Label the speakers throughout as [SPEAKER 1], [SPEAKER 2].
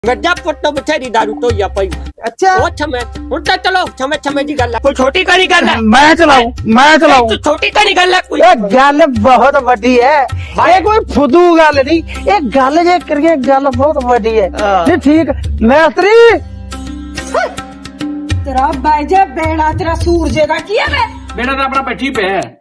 [SPEAKER 1] ਗੱਡਾ ਪੁੱਟ ਬਥੇਰੀ ਦਾਰੂ ਢੋਈਆ ਪਈ
[SPEAKER 2] ਅੱਛਾ
[SPEAKER 1] ਉਹ ਛਮੇ ਹੁਣ ਤਾਂ ਚਲੋ ਛਮੇ ਛਮੇ ਦੀ ਗੱਲ ਹੈ ਕੋਈ ਛੋਟੀ ਕਰੀ ਗੱਲ ਹੈ
[SPEAKER 2] ਮੈਂ ਚਲਾਉ
[SPEAKER 1] ਤੂੰ ਛੋਟੀ ਕਰੀ ਗੱਲ ਹੈ ਕੋਈ
[SPEAKER 2] ਇਹ ਗੱਲ ਬਹੁਤ ਵੱਡੀ ਹੈ ਇਹ ਕੋਈ ਫੁੱਦੂ ਗੱਲ ਨਹੀਂ ਇਹ ਗੱਲ ਜੇ ਕਰੀਏ ਗੱਲ ਬਹੁਤ ਵੱਡੀ ਹੈ ਨਹੀਂ ਠੀਕ ਮੈਸਤਰੀ
[SPEAKER 3] ਤੇਰਾ ਬਾਈਜੇ ਬੇੜਾ ਤੇਰਾ ਸੂਰਜੇ ਦਾ ਕੀ ਹੈ ਵੇ
[SPEAKER 4] बेटा तो अपना बैठी पे है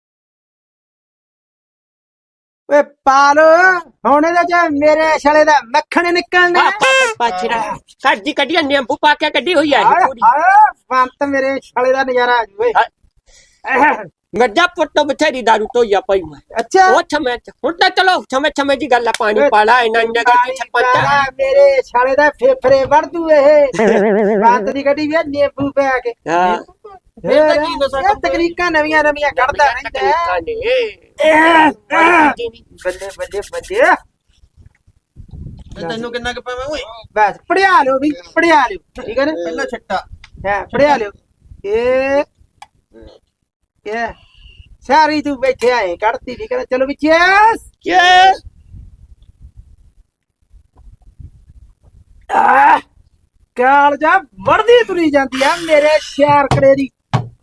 [SPEAKER 2] ਓਏ ਪਾਲ ਹੁਣ ਇਹਦੇ ਚ ਮੇਰੇ ਛਲੇ ਦਾ ਮੱਖਣ ਨਿਕਲਣਾ
[SPEAKER 1] ਪਾਛੜਾ ਸਾਡੀ ਕੱਢੀ ਨਿੰਬੂ ਪਾ ਕੇ ਕੱਢੀ ਹੋਈ ਹੈ
[SPEAKER 2] ਹਾਏ ਹਾਏ ਬੰਤ ਮੇਰੇ ਛਲੇ ਦਾ ਨਜ਼ਾਰਾ ਆ ਜੂ ਓਏ
[SPEAKER 1] ਗੱਡਾ ਪੁੱਟ ਬਥੇਰੀ ਦਾਰੂ ਢੋਈਆ ਪਈ
[SPEAKER 2] ਅੱਛਾ
[SPEAKER 1] ਉਹ ਛਮੇ ਹੁਣ ਤਾਂ ਚਲੋ ਛਮੇ ਛਮੇ ਦੀ ਗੱਲ ਹੈ ਪਾਣੀ ਪਾਲਾ ਇਹਨਾਂ ਨੇ ਗੱਲ ਸਰਪੰਚ
[SPEAKER 2] ਮੇਰੇ ਛਲੇ ਦਾ ਫੇਫੜੇ ਵੜ ਦੂ ਇਹ ਬੰਤ ਦੀ ਗੱਡੀ ਵੀ ਨਿੰਬੂ ਪਾ ਕੇ
[SPEAKER 1] ਹਾਂ
[SPEAKER 2] ਇਹ ਤਕਨੀਕਾਂ ਨਵੀਆਂ ਕੱਢਦਾ ਰਹਿੰਦਾ ਬੱਲੇ ਬੱਲੇ ਬੱਲੇ
[SPEAKER 4] तेन कि
[SPEAKER 2] ਬਸ ਪੜਿਆ ਲਿਓ ਵੀ ਪੜਿਆ ਲਿਓ ਠੀਕ ਹੈ ਨਾ
[SPEAKER 4] पहला छट्टा
[SPEAKER 2] ਹੈ ਪੜਿਆ ਲਿਓ ਇਹ ਸਾਰੀ ਤੂੰ ਬੈਠੇ ਆਏ ਕੱਢਤੀ ਠੀਕ ਹੈ ਨਾ ਚਲੋ ਵੀ ਚੈਸ
[SPEAKER 1] ਯੈਸ
[SPEAKER 2] ਕਾਲ ਜਾ ਵੜਦੀ ਤੁਰੀ ਜਾਂਦੀ ਆ ਮੇਰੇ ਸ਼ਹਿਰ ਕਰੇ ਦੀ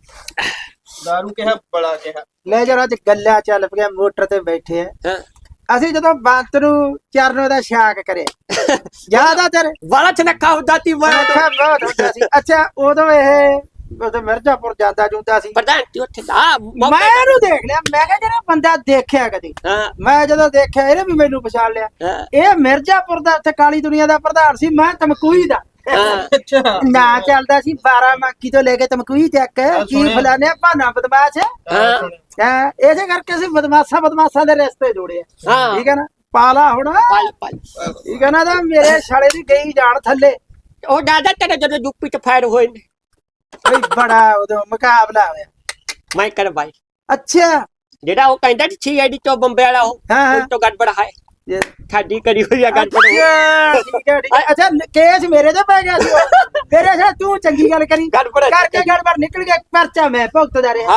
[SPEAKER 4] दारू के है बड़ा के है
[SPEAKER 2] ਲੈ ਜਰਾ ਅੱਜ ਗੱਲਾਂ ਚੱਲ ਪਿਆ ਮੋਟਰ ਤੇ ਬੈਠੇ ਆ ਅਸੀਂ ਜਦੋਂ ਬੰਤ ਨੂੰ ਚਰਨੋਂ ਦਾ ਛਾਕ ਕਰੇ ਜ਼ਿਆਦਾਤਰ
[SPEAKER 1] ਵਾਲਾ ਚਨੱਕਾ ਹੁੰਦਾ ਤੀ ਮੈਂ
[SPEAKER 2] ਅੱਛਾ ਬਹੁਤ ਹੁੰਦਾ ਸੀ ਅੱਛਾ ਉਦੋਂ ਮਿਰਜ਼ਾਪੁਰ ਜਾਂਦਾ ਜੁੰਦਾ ਸੀ
[SPEAKER 1] ਪ੍ਰਧਾਨ ਜੀ ਉੱਥੇ ਦਾ
[SPEAKER 2] ਮੈਂ ਇਹਨੂੰ ਦੇਖ ਲਿਆ ਮੈਂ ਕਿਹਾ ਜਿਹੜਾ ਬੰਦਾ ਦੇਖਿਆ ਕਦੀ
[SPEAKER 1] ਹਾਂ
[SPEAKER 2] ਮੈਂ ਜਦੋਂ ਦੇਖਿਆ ਇਹਨੇ ਵੀ ਮੈਨੂੰ ਪਛਾਣ ਲਿਆ
[SPEAKER 1] ਹਾਂ
[SPEAKER 2] ਇਹ ਮਿਰਜ਼ਾਪੁਰ ਦਾ ਉੱਥੇ ਕਾਲੀ ਦੁਨੀਆ ਦਾ ਪ੍ਰਧਾਨ ਸੀ ਮੈਂ ਤਮਕੂਈ ਦਾ
[SPEAKER 4] अच्छा
[SPEAKER 2] ਨਾ ਚੱਲਦਾ ਸੀ 12 ਮਾਕੀ ਤੋਂ ਲੈ ਕੇ ਤਮਕੂਈ ਤੱਕ ਕੀ ਫਲਾਣੇ ਭਾਨਾ ਬਦਮਾਸ਼
[SPEAKER 1] ਹਾਂ
[SPEAKER 2] ਇਸੇ ਕਰਕੇ ਅਸੀਂ ਬਦਮਾਸ਼ਾਂ ਦੇ ਰਸਤੇ ਜੋੜੇ ਆ
[SPEAKER 1] ਹਾਂ
[SPEAKER 2] ਠੀਕ ਹੈ ਨਾ ਪਾਲਾ ਹੁਣ
[SPEAKER 1] ਪਲ ਪਲ
[SPEAKER 2] ਠੀਕ ਹੈ ਨਾ ਤਾਂ ਮੇਰੇ ਛਾਲੇ ਦੀ ਗਈ ਜਾਣ ਥੱਲੇ
[SPEAKER 1] ਉਹ ਦਾਦਾ ਤੇਰੇ ਜਦੋਂ ਯੂਪੀ ਚ ਫਾਇਰ ਹੋਏ ਨੇ
[SPEAKER 2] ਬਈ ਬੜਾ ਉਦੋਂ ਮੁਕਾਬਲਾ ਹੋਇਆ
[SPEAKER 1] ਮੈਂ ਕਰ ਬਾਈ
[SPEAKER 2] ਅੱਛਾ
[SPEAKER 1] ਜਿਹੜਾ ਉਹ ਕਹਿੰਦਾ ਸੀ ਆਈਡੀ ਤੋਂ ਬੰਬੇ ਵਾਲਾ ਉਹ
[SPEAKER 2] ਹਾਂ।
[SPEAKER 1] ਉਸ ਤੋਂ ਗੜਬੜ ਹੈ
[SPEAKER 2] ਇਹ
[SPEAKER 1] ਸਾਡੀ ਕਰੀ ਹੋਈ ਆ ਗੜਬੜ
[SPEAKER 2] ਅੱਛਾ, ਠੀਕ ਹੈ, ਠੀਕ ਹੈ। ਅੱਛਾ ਕੇਸ ਮੇਰੇ ਤੇ ਪੈ ਗਿਆ ਸੀ ਉਹ। ਫਿਰ ਅੱਛਾ ਤੂੰ ਚੰਗੀ ਗੱਲ ਕਰੀ
[SPEAKER 1] ਗੜਬੜ ਹੈ।
[SPEAKER 2] ਕਰਕੇ ਗੜਬੜ ਨਿਕਲ ਗਿਆ ਪਰਚਾ ਮੈਂ ਭੁਗਤਦਾ ਰਿਹਾ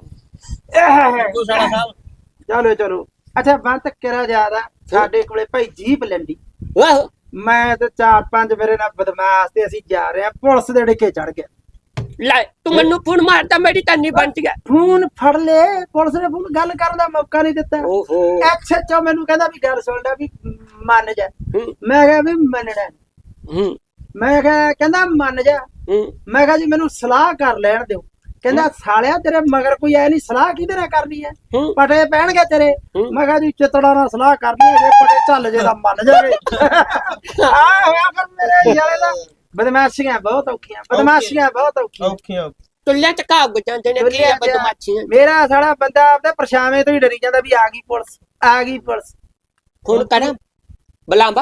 [SPEAKER 1] ਹਾਂ
[SPEAKER 4] तू साला साहब
[SPEAKER 2] ਚਲੋ ਚਲੋ ਅੱਛਾ ਬੰਤ ਕਿਹੜਾ ਜ਼ਿਆਦਾ ਸਾਡੇ ਕੋਲੇ ਭਾਈ ਜੀਪ ਲੈਂਦੀ
[SPEAKER 1] ਵਾਹ
[SPEAKER 2] ਮੈਂ ਤੇ 4-5 ਮੇਰੇ ਨਾਲ ਬਦਮਾਸ਼ ਤੇ ਅਸੀਂ ਜਾ ਰਹੇ ਆ ਪੁਲਿਸ ਦੇ ਡਿੱਕੇ ਚੜ ਗਿਆ
[SPEAKER 1] ਲੈ ਤੂੰ ਮੈਨੂੰ ਫੋਨ ਮਾਰਦਾ ਮੇਰੀ ਤਾਂ ਨਹੀਂ ਬਣਦੀ ਹੈ
[SPEAKER 2] ਫੋਨ ਫੜ ਲੈ ਪੁਲਿਸ ਨੇ ਫੋਨ ਗੱਲ ਕਰਨ ਦਾ ਮੌਕਾ ਨਹੀਂ ਦਿੱਤਾ
[SPEAKER 1] ਓਹੋ
[SPEAKER 2] ਐਕਸਐਚਓ ਮੈਨੂੰ ਕਹਿੰਦਾ ਵੀ ਗੱਲ ਸੁਣ ਲੈ ਵੀ ਮੰਨ ਜਾ
[SPEAKER 1] ਹੂੰ
[SPEAKER 2] ਮੈਂ ਕਿਹਾ ਵੀ ਮੰਨਣਾ ਨੀ।
[SPEAKER 1] ਹੂੰ
[SPEAKER 2] ਮੈਂ ਕਿਹਾ ਕਹਿੰਦਾ ਮੰਨ ਜਾ
[SPEAKER 1] ਹੂੰ
[SPEAKER 2] ਮੈਂ ਕਿਹਾ ਜੀ ਮੈਨੂੰ ਸਲਾਹ ਕਰ ਲੈਣ ਦਿਓ ਕਹਿੰਦਾ ਸਾਲਿਆ ਤੇਰੇ ਮਗਰ ਕੋਈ ਐ ਨਹੀਂ ਸਲਾਹ ਕਿਹਦੇ ਨਾਲ ਕਰਨੀ ਹੈ
[SPEAKER 1] ਹੂੰ
[SPEAKER 2] ਪਟੇ ਪੈਣਗੇ ਤੇਰੇ
[SPEAKER 1] ਹੂੰ।
[SPEAKER 2] ਮੈਂ ਕਿਹਾ ਜੀ ਚਿੱਤੜਾ ਨਾਲ ਸਲਾਹ ਕਰਨੀ ਹੈ ਜੇ ਪਟੇ ਚੱਲ ਜੇ ਤਾਂ ਮੰਨ ਜਾਵੇ ਆ ਹੋਇਆ ਫਿਰ ਮੇਰੇ ਯਾਰੇ ਦਾ ਬਦਮਾਸ਼ੀਆਂ ਬਹੁਤ ਔਖੀਆਂ
[SPEAKER 4] ओके
[SPEAKER 1] ਤੁੱਲੇ ਚ ਕਾਬ ਜਾਂਦੇ ਨੇ ਕੀ ਆ ਬਦਮਾਸ਼ੀਆਂ
[SPEAKER 2] ਮੇਰਾ ਸਾਲਾ ਬੰਦਾ ਆਪਦੇ ਪਰਛਾਵੇਂ ਤੋਂ ਹੀ ਡਰੀ ਜਾਂਦਾ ਵੀ ਆ ਗਈ ਪੁਲਿਸ
[SPEAKER 1] ਹੁਣ ਕਰਾਂ ਬਲਾਂਬਾ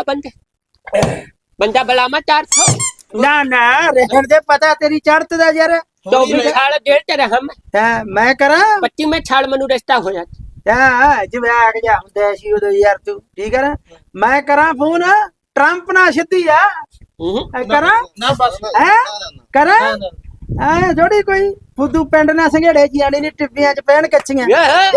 [SPEAKER 1] ਬੰਦਾ ਬਲਾਮਾ 400
[SPEAKER 2] ਨਾ ਰਹਿਣ ਦੇ ਪਤਾ ਤੇਰੀ ਚੜਤ ਦਾ ਯਾਰ
[SPEAKER 1] तो छाल जेल च रहा मैं
[SPEAKER 2] ਹਾਂ ਮੈਂ ਕਰਾਂ
[SPEAKER 1] 25 में छाल मनु रिश्ता हो जाता
[SPEAKER 2] ਹਾਂ ਜਿਵੇਂ ਆਗ ਜਾ ਹੁੰਦਾ ਸੀ ਉਦੋਂ ਯਾਰ ਤੂੰ ਠੀਕ ਹੈ ਨਾ ਮੈਂ ਕਰਾਂ ਫੋਨ ਟਰੰਪ ਨਾਲ ਸਿੱਧੀ ਆ ਕਰਾਂ
[SPEAKER 4] ना बस
[SPEAKER 2] ਹੈ ਕਰਾਂ ਐ ਜੋੜੀ ਕੋਈ ਫੁੱਦੂ ਪਿੰਡ ਨਾਲ ਸੰਘੇੜੇ ਜਿਆਣੀ ਨੇ ਟਿੱਬੀਆਂ ਚ ਪੈਣ ਕੱਚੀਆਂ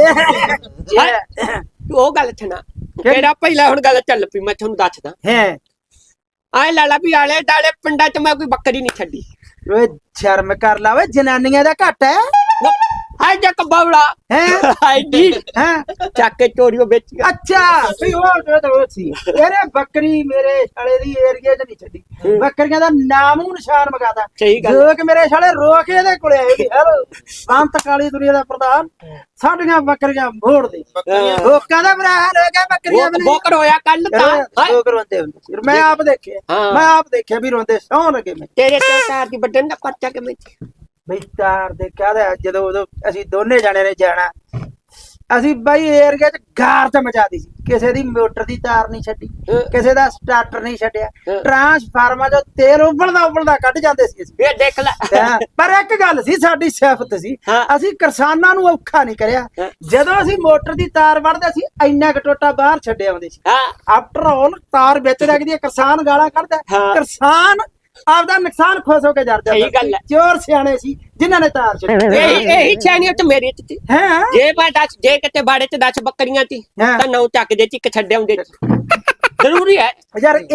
[SPEAKER 1] ਉਹ ਗੱਲ ਛਣਾ ਕਿਹੜਾ ਪਹਿਲਾਂ ਹੁਣ ਗੱਲ ਚੱਲ ਪਈ ਮੈਂ ਤੁਹਾਨੂੰ ਦੱਸਦਾ
[SPEAKER 2] ਹੈ
[SPEAKER 1] ਆਏ ਲਾਲਾ ਵੀ ਆਲੇ ਦਾਲੇ ਪਿੰਡਾਂ ਚ ਮੈਂ ਕੋਈ ਬੱਕਰੀ ਨਹੀਂ ਛੱਡੀ
[SPEAKER 2] ਓਏ ਸ਼ਰਮ ਕਰ ਲਾ ਓਏ ਜਨਾਨੀਆਂ ਦਾ ਘੱਟ ਹੈ
[SPEAKER 1] ਹਾਏ ਜੱਕ ਬਾਵੜਾ
[SPEAKER 2] ਹੈ
[SPEAKER 1] ਹਾਏ ਡੀ
[SPEAKER 2] ਹੈ
[SPEAKER 1] ਚੱਕ ਕੇ ਚੋਰੀਓ ਵੇਚ ਗਿਆ
[SPEAKER 2] ਅੱਛਾ ਵੀ ਉਹ ਸੀ ਇਹਨੇ ਬੱਕਰੀ ਮੇਰੇ ਸਾਲੇ ਦੀ ਏਰੀਏ 'ਚ ਨਹੀਂ ਛੱਡੀ ਬੱਕਰੀਆਂ ਦਾ ਨਾਮੂ ਨਿਸ਼ਾਨ ਮਗਾਦਾ
[SPEAKER 1] ਸਹੀ ਗੱਲ
[SPEAKER 2] ਲੋਕ ਮੇਰੇ ਸਾਲੇ ਰੋ ਕੇ ਇਹਦੇ ਕੋਲੇ ਆਏ ਵੀ ਹੈਲੋ ਬੰਤ ਕਾਲੀ ਦੁਨੀਆ ਦਾ ਪ੍ਰਧਾਨ ਸਾਡੀਆਂ ਬੱਕਰੀਆਂ ਮੋੜ ਦੇ ਲੋਕਾਂ ਦਾ ਬੁਰਾ ਹਾਲ ਹੋ ਗਿਆ ਬੱਕਰੀਆਂ ਬਣੇ
[SPEAKER 1] ਬੋਕਰ ਹੋਇਆ ਕੱਲ ਤਾਂ
[SPEAKER 2] ਲੋਕ ਰੋਂਦੇ ਹੁੰਦੇ ਸੀ ਮੈਂ ਆਪ ਦੇਖਿਆ ਵੀ ਰੋਂਦੇ ਸੌਂ ਲਗੇ ਮੈਂ
[SPEAKER 1] ਤੇਰੇ ਤੇ ਤਾਰ ਦੀ ਵੱਡਣ ਦਾ ਪਰਚਾ ਕਿਵੇਂ
[SPEAKER 2] ਬਈ ਤਾਰ ਦੇ ਕਹਦਾ ਜਦੋਂ ਉਦੋਂ ਅਸੀਂ ਦੋਨੇ ਜਾਣੇ ਨੇ ਜਾਣਾ ਅਸੀਂ ਬਾਈ ਏਰੀਆ 'ਚ ਗਾਰ ਤੇ ਮਚਾਦੀ ਸੀ ਕਿਸੇ ਦੀ ਮੋਟਰ ਦੀ ਤਾਰ ਨਹੀਂ ਛੱਡੀ ਕਿਸੇ ਦਾ ਸਟਾਰਟਰ ਨਹੀਂ ਛੱਡਿਆ ਟਰਾਂਸਫਾਰਮਰ ਚੋਂ ਤੇਲ ਉਬਲਦਾ ਕੱਢ ਜਾਂਦੇ ਸੀ ਅਸੀਂ
[SPEAKER 1] ਇਹ ਦੇਖ ਲੈ
[SPEAKER 2] ਪਰ ਇੱਕ ਗੱਲ ਸੀ ਸਾਡੀ ਸਿਫਤ ਸੀ ਅਸੀਂ ਕਿਸਾਨਾਂ ਨੂੰ ਔਖਾ ਨਹੀਂ ਕਰਿਆ ਜਦੋਂ ਅਸੀਂ ਮੋਟਰ ਦੀ ਤਾਰ ਵੜਦੇ ਸੀ ਇੰਨਾ ਕੁ ਟੋਟਾ ਬਾਹਰ ਛੱਡੇ ਆਉਂਦੇ ਸੀ ਆਫਟਰ ਆਲ ਤਾਰ ਵਿੱਚ ਲੱਗਦੀ ਕਿਸਾਨ ਗਾਲਾਂ ਕੱਢਦਾ ਕਿਸਾਨ ਆਪਦਾ ਨੁਕਸਾਨ ਖੁਸ਼ ਹੋ ਕੇ ਜਰਦਾ
[SPEAKER 1] ਸਹੀ ਗੱਲ ਹੈ
[SPEAKER 2] ਚੋਰ ਸਿਆਣੇ ਸੀ ਜਿਨ੍ਹਾਂ ਨੇ ਤਾਰ ਛੱਡੀ
[SPEAKER 1] ਇਹੀ ਛਾਣੀ ਉੱਤੇ ਮੇਰੇ ਤੇ
[SPEAKER 2] ਹੈ
[SPEAKER 1] ਜੇ ਮੈਂ ਦੱਸ ਜੇ ਕਿਤੇ ਬਾੜੇ ਚ 10 ਬੱਕਰੀਆਂ ਸੀ ਤਾਂ 9 ਚੱਕ ਦੇ ਚ ਇੱਕ ਛੱਡੇ ਹੁੰਦੇ ਜ਼ਰੂਰੀ ਹੈ
[SPEAKER 2] ਯਾਰ ਇਹ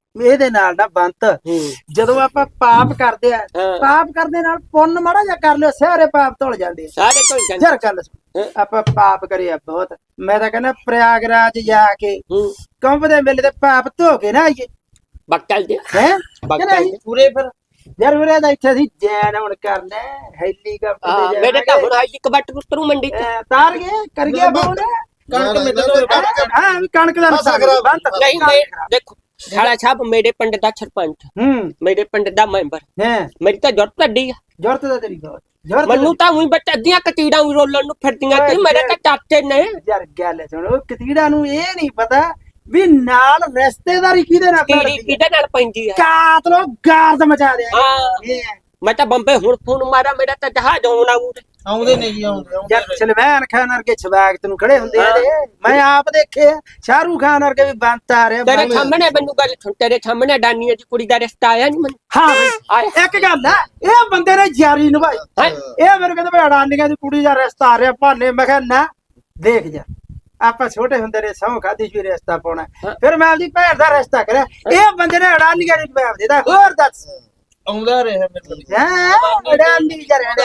[SPEAKER 2] ਇਹਦੇ ਨਾਲ ਨਾ ਬੰਤ ਜਦੋਂ ਆਪਾਂ ਪਾਪ ਕਰਦੇ ਆ ਪਾਪ ਕਰਦੇ ਨਾਲ ਪੁੰਨ ਮਾੜਾ ਜਿਹਾ ਕਰ ਲਿਓ ਸਾਰੇ ਪਾਪ ਧੁਲ ਜਾਂਦੇ ਆ
[SPEAKER 1] ਸਾਰੇ ਧੁਲ ਜਾਂਦੇ
[SPEAKER 2] ਯਾਰ ਗੱਲ ਸੁਣ ਆਪਾਂ ਪਾਪ ਕਰਿਆ ਬਹੁਤ ਮੈਂ ਤਾਂ ਕਹਿੰਦਾ ਪ੍ਰਯਾਗਰਾਜ ਜਾ ਕੇ ਕੰਭ ਦੇ ਮੇਲੇ ਤੇ ਪਾਪ ਧੋ ਕੇ ਨਾ ਆਈਏ
[SPEAKER 1] ਬੱਕਲ ਦੇ
[SPEAKER 2] ਹੈ
[SPEAKER 4] ਪੂਰੇ ਫਿਰ
[SPEAKER 2] ਯਾਰ ਉਰੇ ਦਾ ਇੱਥੇ ਅਸੀਂ ਜੈਨ ਹੁਣ ਕਰਨਾ ਹੈਲੀਕਾਪਟਰ ਤੇ
[SPEAKER 1] ਮੇਰੇ ਤਾਂ ਹੁਣ ਹਾਈ ਕਬੱਟ ਉਤਰੂ ਮੰਡੀ ਤੇ
[SPEAKER 2] ਤਾਰ ਗਏ ਕਰ ਗਿਆ ਫੋਨ
[SPEAKER 4] ਕਣਕ ਮਿੱਟੋ
[SPEAKER 2] ਹਾਂ ਵੀ ਕਣਕ ਦਾ ਨੁਕਸਾਨ ਬੰਤ
[SPEAKER 1] ਨਹੀਂ ਮੈਂ ਦੇਖੋ ਸਾਲਾ ਸਾਹਿਬ ਮੇਰੇ ਪਿੰਡ ਦਾ ਸਰਪੰਚ ਮੇਰੇ ਪਿੰਡ ਦਾ ਮੈਂਬਰ ਮੇਰੀ ਤਾਂ ਜ਼ਰੂਰਤ ਅੱਡੀ ਆ
[SPEAKER 2] ਜ਼ਰੂਰਤ ਦਾ ਤੇਰੀ ਬਹੁਤ
[SPEAKER 1] ਮੈਨੂੰ ਤਾਂ ਉਹੀ ਬੱਚ ਅੱਧੀਆਂ ਕਤੀੜਾਂ ਵੀ ਰੋਲਣ ਨੂੰ ਫਿਰਦੀਆਂ ਤੇ ਮੇਰੇ ਤਾਂ ਚਾਚੇ ਨੇ
[SPEAKER 2] ਯਾਰ ਗੱਲ ਸੁਣੋ ਕਤੀੜਾ ਨੂੰ ਇਹ ਨਹੀਂ ਪਤਾ ਵੀ ਨਾਲ ਰਿਸ਼ਤੇਦਾਰੀ ਕਿਹਦੇ ਨਾਲ
[SPEAKER 1] ਕੀੜੀ ਕਿਹਦੇ ਨਾਲ ਪੈਂਦੀ ਆ
[SPEAKER 2] ਕਾਤਲੋ ਗਾਰਦ ਮਚਾ ਦਿਆ
[SPEAKER 1] ਹਾਂ ਮੈਂ ਤਾਂ ਬੰਬੇ ਹੁਣ ਫੋਨ ਮਾਰਾ ਮੇਰਾ ਤਾਂ ਜਹਾਜ਼ ਆਉਣਾ
[SPEAKER 4] ਆਉਂਦੇ ਨੇ ਜੀ ਆਉਂਦੇ
[SPEAKER 2] ਯਾਰ ਸਲਮਾਨ ਖਾਨ ਵਰਗੇ ਛਵਾਗਤ ਨੂੰ ਖੜੇ ਹੁੰਦੇ ਆ ਮੈਂ ਆਪ ਦੇਖੇ ਸ਼ਾਹਰੂਖ ਖਾਨ ਵਰਗੇ ਵੀ ਬੰਤ ਆ ਰਿਹਾ
[SPEAKER 1] ਤੇਰੇ ਸਾਹਮਣੇ ਮੈਨੂੰ ਗੱਲ ਸੁਣ ਤੇਰੇ ਸਾਹਮਣੇ ਡਾਨੀਆ ਦੀ ਕੁੜੀ ਦਾ ਰਿਸ਼ਤਾ ਆਇਆ ਨਹੀਂ ਮੈਨੂੰ
[SPEAKER 2] ਹਾਂ ਇੱਕ ਗੱਲ ਆ ਇਹ ਬੰਦੇ ਨੇ ਯਾਰੀ ਨਿਭਾਈ ਇਹ ਮੈਨੂੰ ਕਹਿੰਦੇ ਵੀ ਅਡਾਨੀਆਂ ਦੀ ਕੁੜੀ ਦਾ ਰਿਸ਼ਤਾ ਆ ਰਿਹਾ ਭਾਨੇ ਮੈਂ ਕਿਹਾ ਨਾ ਦੇਖ ਜਾ ਆਪਾਂ ਛੋਟੇ ਹੁੰਦੇ ਨੇ ਸਹੁੰ ਖਾਦੀ ਸੀ ਰਿਸ਼ਤਾ ਪਾਉਣਾ ਫਿਰ ਮੈਂ ਆਪਦੀ ਭੈਣ ਦਾ ਰਿਸ਼ਤਾ ਕਰਿਆ ਇਹ ਬੰਦੇ ਨੇ ਅਡਾਨੀਆਂ ਨੂੰ ਜਵਾਬ ਦਿੱਤਾ ਹੋਰ ਦੱਸ
[SPEAKER 4] ਆਉਂਦਾ ਰਿਹਾ ਮੇਰੇ
[SPEAKER 2] ਅਡਾਨੀ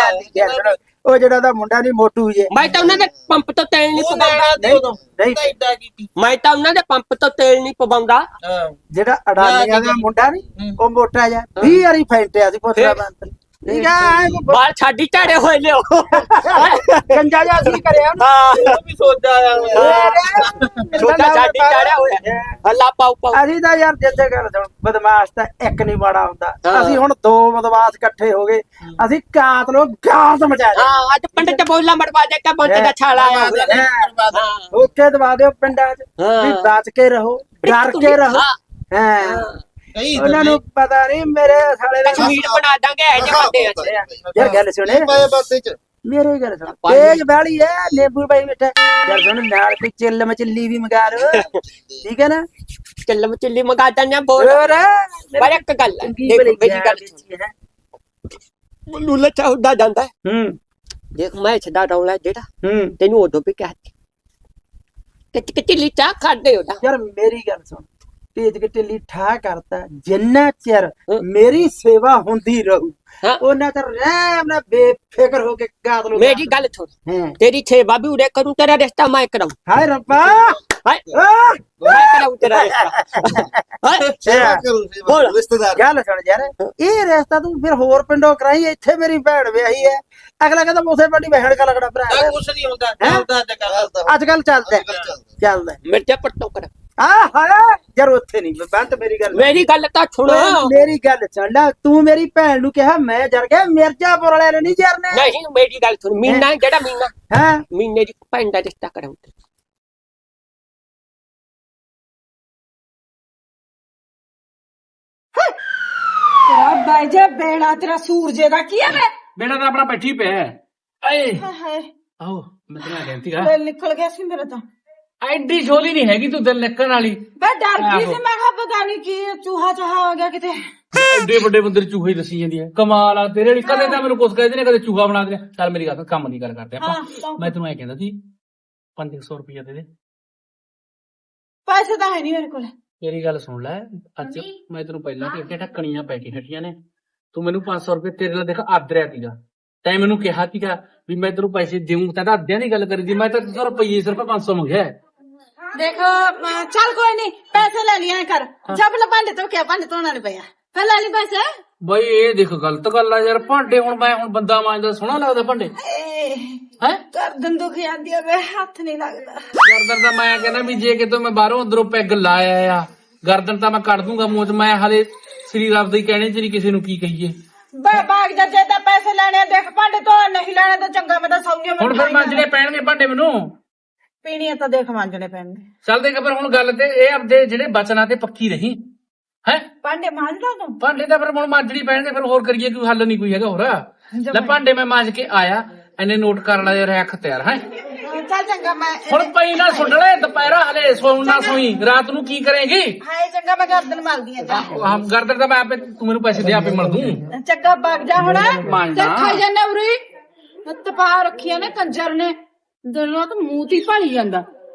[SPEAKER 2] ਜਰ ਉਹ ਜਿਹੜਾ ਦਾ ਮੁੰਡਾ ਨਹੀਂ ਮੋਟੂ ਜੇ
[SPEAKER 1] ਮੈਂ ਤਾਂ ਉਹਨਾਂ ਦੇ ਪੰਪ ਤੋਂ ਤੇਲ ਨਹੀਂ ਪਵਾਉਂਦਾ
[SPEAKER 2] ਨਹੀਂ
[SPEAKER 1] ਮੈਂ ਤਾਂ ਉਹਨਾਂ ਦੇ ਪੰਪ ਤੋਂ ਤੇਲ ਨਹੀਂ ਪਵਾਉਂਦਾ
[SPEAKER 2] ਜਿਹੜਾ ਅਡਾਨੀਆਂ ਦਾ ਮੁੰਡਾ ਨਹੀਂ ਉਹ ਮੋਟਾ ਜਿਹਾ 20 ਵਾਰੀ ਫੈਂਟਿਆ ਸੀ ਪੋਤਰਾ ਬੰਤ ਠੀਕ ਆ
[SPEAKER 1] ਬਾਲ ਛਾਡੀ ਝਾੜੇ ਹੋਏ ਲਿਓ
[SPEAKER 2] ਗੰਜਾ ਜਿਹਾ ਸੀ ਕਰਿਆ
[SPEAKER 4] ਉਹ ਵੀ ਸੋਚਦਾ ਆਇਆ
[SPEAKER 1] ਛੋਟਾ ਛਾਡੀ ਝਾੜਿਆ ਹੋਇਆ ਹੱਲਾ ਪਾਉ ਪਾਉ
[SPEAKER 2] ਅਸੀਂ ਤਾਂ ਯਾਰ ਜਿੱਦੇ ਗੱਲ ਸੁਣ ਬਦਮਾਸ਼ ਤਾਂ ਇੱਕ ਨਹੀਂ ਮਾੜਾ ਹੁੰਦਾ ਅਸੀਂ ਹੁਣ ਦੋ ਬਦਮਾਸ਼ ਇਕੱਠੇ ਹੋ ਗਏ ਅਸੀਂ ਕਾਤਲੋ ਗਾਰਦ ਮਚਾ ਦੇ
[SPEAKER 1] ਹਾਂ ਅੱਜ ਪਿੰਡ ਚ ਬੋਲਾ ਮੜਵਾ ਦੇ ਕੇ ਬੰਤ ਦਾ ਛਾਲਾ ਆਇਆ ਹੋਇਆ
[SPEAKER 2] ਓਕੇ ਦਵਾ ਦਿਓ ਪਿੰਡਾਂ 'ਚ ਵੀ ਬਚ ਕੇ ਰਹੋ ਡਰ ਕੇ ਰਹੋ ਹਾਂ ਉਹਨਾਂ ਨੂੰ ਪਤਾ ਨਹੀਂ ਮੇਰੇ ਸਾਲੇ ਦਾ
[SPEAKER 1] ਕਸ਼ਮੀਰ ਬਣਾ ਦਾਂਗੇ ਇਹ ਜੇ ਬੰਦੇ ਆ
[SPEAKER 2] ਯਾਰ ਗੱਲ ਸੁਣੇ ਮੇਰੇ ਗੱਲ ਸੁਣ ਤੇਜ ਵਾਲੀ ਐ ਨਿੰਬੂ ਪਾਈ ਮਿੱਠਾ ਯਾਰ ਸੁਣ ਨਾਲ ਕੋਈ ਚਿੱਲ ਮਚਿੱਲੀ ਵੀ ਮੰਗਾ ਲੋ ਠੀਕ ਹੈ ਨਾ
[SPEAKER 1] ਚੱਲ ਮਚਿੱਲੀ ਮੰਗਾ ਦਾਂ ਬੋਲ ਪਰ ਇੱਕ ਗੱਲ ਹੈ ਦੇਖ ਮੇਰੀ ਗੱਲ ਮੈਨੂੰ ਲੱਚਾ ਹੁੰਦਾ ਜਾਂਦਾ ਦੇਖ ਮੈਂ ਛੱਡਾ ਰੌਲਾ ਜਿਹੜਾ ਤੈਨੂੰ ਉਦੋਂ ਵੀ ਕਹਿ ਦਿੱਤੀ ਕਿ ਢਿੱਲੀ ਚਾਹ ਖਾਦੇ ਉਹਦਾ
[SPEAKER 2] ਯਾਰ ਮੇਰੀ ਗੱਲ ਸੁਣ ਤੇਜ ਕੇ ਢਿੱਲੀ ਠਾ ਕਰਤਾ ਜਿੰਨਾ ਚਿਰ ਮੇਰੀ ਸੇਵਾ ਹੁੰਦੀ ਰਹੂ ਉਹਨਾਂ ਚਿਰ ਰਹਿਮ ਨਾਲ ਬੇਫਿਕਰ ਹੋ ਕੇ ਗਾਦ ਲੋ
[SPEAKER 1] ਮੇਰੀ ਗੱਲ ਸੁਣ ਤੇਰੀ ਸੇਵਾ ਵੀ ਉਰੇ ਕਰੂੰ ਤੇਰਾ ਰਿਸ਼ਤਾ ਮੈਂ ਕਰਾਉਂ
[SPEAKER 2] ਹਾਏ ਰੱਬਾ
[SPEAKER 1] ਹਾਏ ਮੈਂ ਕਰਾਉਂ ਤੇਰਾ ਰਿਸ਼ਤਾ
[SPEAKER 2] ਬੋਲ ਰਿਸ਼ਤੇਦਾਰ ਗੱਲ ਸੁਣ ਯਾਰ ਇਹ ਰਿਸ਼ਤਾ ਤੂੰ ਫਿਰ ਹੋਰ ਪਿੰਡੋਂ ਕਰਾਈ ਇੱਥੇ ਮੇਰੀ ਭੈਣ ਵਿਆਹੀ ਹੈ ਅਗਲਾ ਕਹਿੰਦਾ ਉਸੇ ਪਿੰਡੀ ਬਹਿਣ ਕਾ ਲੱਗਣਾ ਭਰਾ
[SPEAKER 4] ਕੁਛ ਨਹੀਂ ਹੁੰਦਾ ਚੱਲਦਾ
[SPEAKER 2] ਅੱਜ ਕੱਲ ਚੱਲਦਾ
[SPEAKER 1] ਮਿਰਚਾ ਪੱਟੋ ਕਰ
[SPEAKER 2] ਹਾਏ ਯਾਰ ਉੱਥੇ ਨਹੀਂ ਬੰਤ ਮੇਰੀ ਗੱਲ
[SPEAKER 1] ਤਾਂ ਸੁਣ
[SPEAKER 2] ਮੇਰੀ ਗੱਲ ਸੁਣ ਲੈ ਤੂੰ ਮੇਰੀ ਭੈਣ ਨੂੰ ਕਿਹਾ ਮੈਂ ਜਰ ਗਿਆ ਮਿਰਜ਼ਾਪੁਰ ਵਾਲਿਆਂ ਨੇ ਨਹੀਂ ਜਰਨੇ
[SPEAKER 1] ਨਹੀਂ ਮੇਰੀ ਗੱਲ ਸੁਣ ਮੀਨਾ ਜਿਹੜਾ ਮੀਨਾ
[SPEAKER 2] ਹਾਂ
[SPEAKER 1] ਮੀਨੇ ਦੀ ਭੈਣ ਦਾ ਰਿਸ਼ਤਾ ਕਰਾਉਂ
[SPEAKER 3] ਤੇਰਾ ਬਾਈ ਜੇ ਬੇੜਾ ਤੇਰਾ ਸੂਰਜੇ ਦਾ ਕੀ ਹੈ ਵੇ
[SPEAKER 4] ਬੇੜਾ ਤਾਂ ਆਪਣਾ ਬੈਠੀ ਪਿਆ ਏ
[SPEAKER 3] ਹਾਏ
[SPEAKER 4] ਆਹੋ ਮੈਂ ਤੈਨੂੰ ਕਹਿੰਦੀ ਆ
[SPEAKER 3] ਦਿਲ ਨਿਕਲ ਗਿਆ ਸੀ ਮੇਰੇ ਤਾਂ
[SPEAKER 4] ਐਡੀ ਝੋਲੀ ਨਹੀਂ ਹੈਗੀ ਤੂੰ ਦਿਲ ਨਿਕਲਣ ਵਾਲੀ
[SPEAKER 3] ਮੈਂ ਡਰ ਗਈ ਸੀ ਮੈਂ ਕਿਹਾ ਪਤਾ ਨਹੀਂ ਕੀ ਚੂਹਾ ਚਾਹਾ ਹੋ ਗਿਆ ਕਿਤੇ
[SPEAKER 4] ਐਡੇ ਵੱਡੇ ਬੰਦੇ ਨੂੰ ਚੂਹੇ ਦੱਸੀ ਜਾਂਦੀ ਹੈ ਕਮਾਲ ਆ ਤੇਰੇ ਲਈ ਕਦੇ ਤਾਂ ਮੈਨੂੰ ਕੁਛ ਕਹਿੰਦੇ ਨੇ ਕਦੇ ਚੂਹਾ ਬਣਾ ਦੇ ਚੱਲ ਮੇਰੀ ਗੱਲ ਕੰਮ ਦੀ ਗੱਲ ਕਰਦੇ ਆਪਾਂ ਮੈਂ ਤੈਨੂੰ ਐ ਕਹਿੰਦਾ ਸੀ 500 ਰੁਪਇਆ ਦੇ ਦੇ
[SPEAKER 3] ਪੈਸੇ ਤਾਂ ਹੈ ਨਹੀਂ ਮੇਰੇ ਕੋਲ
[SPEAKER 4] ਮੇਰੀ ਗੱਲ ਸੁਣ ਲੈ ਅੱਜ ਮੈਂ ਤੈਨੂੰ ਪਹਿਲਾਂ ਕਿ ਢੱਕਣੀਆਂ ਪੈ ਕੇ ਹਟੀਆਂ ਨੇ ਤੂੰ ਮੈਨੂੰ 500 ਰੁਪਏ ਤੇਰੇ ਨਾਲ ਦੇਖ ਆਦਰਿਆ ਸੀਗਾ ਤੈਂ ਮੈਨੂੰ ਕਿਹਾ ਸੀਗਾ ਵੀ ਮੈਂ ਤੈਨੂੰ ਪੈਸੇ ਦੇਉਂ ਤਾਂ ਅੱਧਿਆਂ ਦੀ ਗੱਲ ਕਰੀ ਦੀ ਮੈਂ ਤਾਂ ਰੁਪਈਏ ਸਿਰਫ 500 ਮੰਗਿਆ
[SPEAKER 3] ਦੇਖ ਚੱਲ ਕੋਈ ਨਹੀਂ ਪੈਸੇ ਲੈ ਲਿਆ ਕਰ ਜਬ ਲ ਭਾਂਡੇ ਤੋਂ ਕਿਆ ਭਾਂਡੇ ਧੋਣਾ ਨਹੀਂ ਪਿਆ ਫਿਰ ਲੈ ਲਈ ਪੈਸੇ
[SPEAKER 4] ਬਈ ਇਹ ਦੇਖ ਗਲਤ ਗੱਲ ਆ ਯਾਰ ਭਾਂਡੇ ਹੁਣ ਮੈਂ ਬੰਦਾ ਮਾਂਜਦਾ ਸੋਹਣਾ ਲੱਗਦਾ ਭਾਂਡੇ ਹੈ
[SPEAKER 3] ਗਰਦਨ ਦੁਖ ਜਾਂਦੀ ਆ ਵੇ ਹੱਥ ਨਹੀਂ ਲੱਗਦਾ
[SPEAKER 4] ਗਰਦਨ ਤਾਂ ਮੈਂ ਕਹਿੰਦਾ ਵੀ ਜੇ ਕਿਤੋਂ ਮੈਂ ਬਾਹਰੋਂ ਅੰਦਰੋਂ ਪੈਗ ਲਾਇਆ ਆ ਗਰਦਨ ਤਾਂ ਮੈਂ ਕੱਢ ਦੂੰਗਾ ਮੂੰਹ ਚ ਮੈਂ ਹਲੇ ਸ੍ਰੀ ਰੱਬ ਦੇ ਕਹਿਣੇ ਚ ਨਹੀਂ ਕਿਸੇ ਨੂੰ ਕੀ ਕਹੀਏ
[SPEAKER 3] ਬਾਗ ਦਾ ਜੇ ਤਾਂ ਪੈਸੇ ਲੈਣੇ ਦੇਖ ਭਾਂਡੇ ਤੋਂ ਨਹੀਂ ਲੈਣੇ ਤਾਂ ਚੰਗਾ ਮੈਂ ਤਾਂ ਸੌਂਗੇ
[SPEAKER 4] ਹੁਣ ਫਿਰ ਮਾਂਜਣੇ ਪੈਣਗੇ ਭਾਂਡੇ ਮੈਨੂੰ
[SPEAKER 3] ਪੀਣੀਆਂ ਤਾਂ ਦੇਖ ਮਾਂਜਣੇ ਪੈਣਗੇ
[SPEAKER 4] ਚੱਲ ਦੇਖ ਪਰ ਹੁਣ ਗੱਲ ਤੇ ਇਹ ਆਪਦੇ ਜਿਹੜੇ ਬਚਨਾਂ ਤੇ ਪੱਕੀ ਰਹੀ ਹੈ
[SPEAKER 3] ਭਾਂਡੇ ਮਾਂਜਦਾ ਤੂੰ
[SPEAKER 4] ਭਾਂਡੇ ਤਾਂ ਫਿਰ ਹੁਣ ਮਾਂਜਣੀ ਪੈਣਗੇ ਫਿਰ ਹੋਰ ਕਰੀਏ ਕੋਈ ਹੱਲ ਨਹੀਂ ਕੋਈ ਹੈਗਾ ਹੋਰ ਲੈ ਭਾਂਡੇ ਮੈਂ ਮਾਂਜ ਕੇ ਆਇਆ ਇਹਨੇ ਨੋਟ ਕਰਨ ਵਾਲੇ ਰੱਖ ਤਿਆਰ ਹੈ
[SPEAKER 3] ਚੱਲ ਚੰਗਾ ਮੈਂ
[SPEAKER 4] ਹੁਣ ਪਈ ਨਾ ਸੁੱਟ ਲੈ ਦੁਪਹਿਰਾ ਹਲੇ ਸੌਣ ਨਾ ਸੋਈ ਰਾਤ ਨੂੰ ਕੀ ਕਰੇਗੀ
[SPEAKER 3] ਹਾਏ ਚੰਗਾ ਮੈਂ ਗਰਦਨ ਮਲਦੀ ਆ
[SPEAKER 4] ਗਰਦਨ ਤਾਂ ਮੈਂ ਆਪੇ ਤੂੰ ਮੈਨੂੰ ਪੈਸੇ ਦੇ ਆਪੇ ਮਲ ਦੂੰ
[SPEAKER 3] ਚੰਗਾ ਵਗ ਜਾ ਹੁਣ
[SPEAKER 4] ਮਾਂਜਦਾ।
[SPEAKER 3] ਤੇ ਖਾਈ ਜਾਂਦਾ ਉਰੀ ਤਪਾ ਰੱਖੀਆਂ ਨੇ ਕੰਜਰ ਨੇ ਦਿਲੋਂ ਤਾਂ ਮੂੰਹ ਤੇ ਭਾਲੀ ਜਾਂਦਾ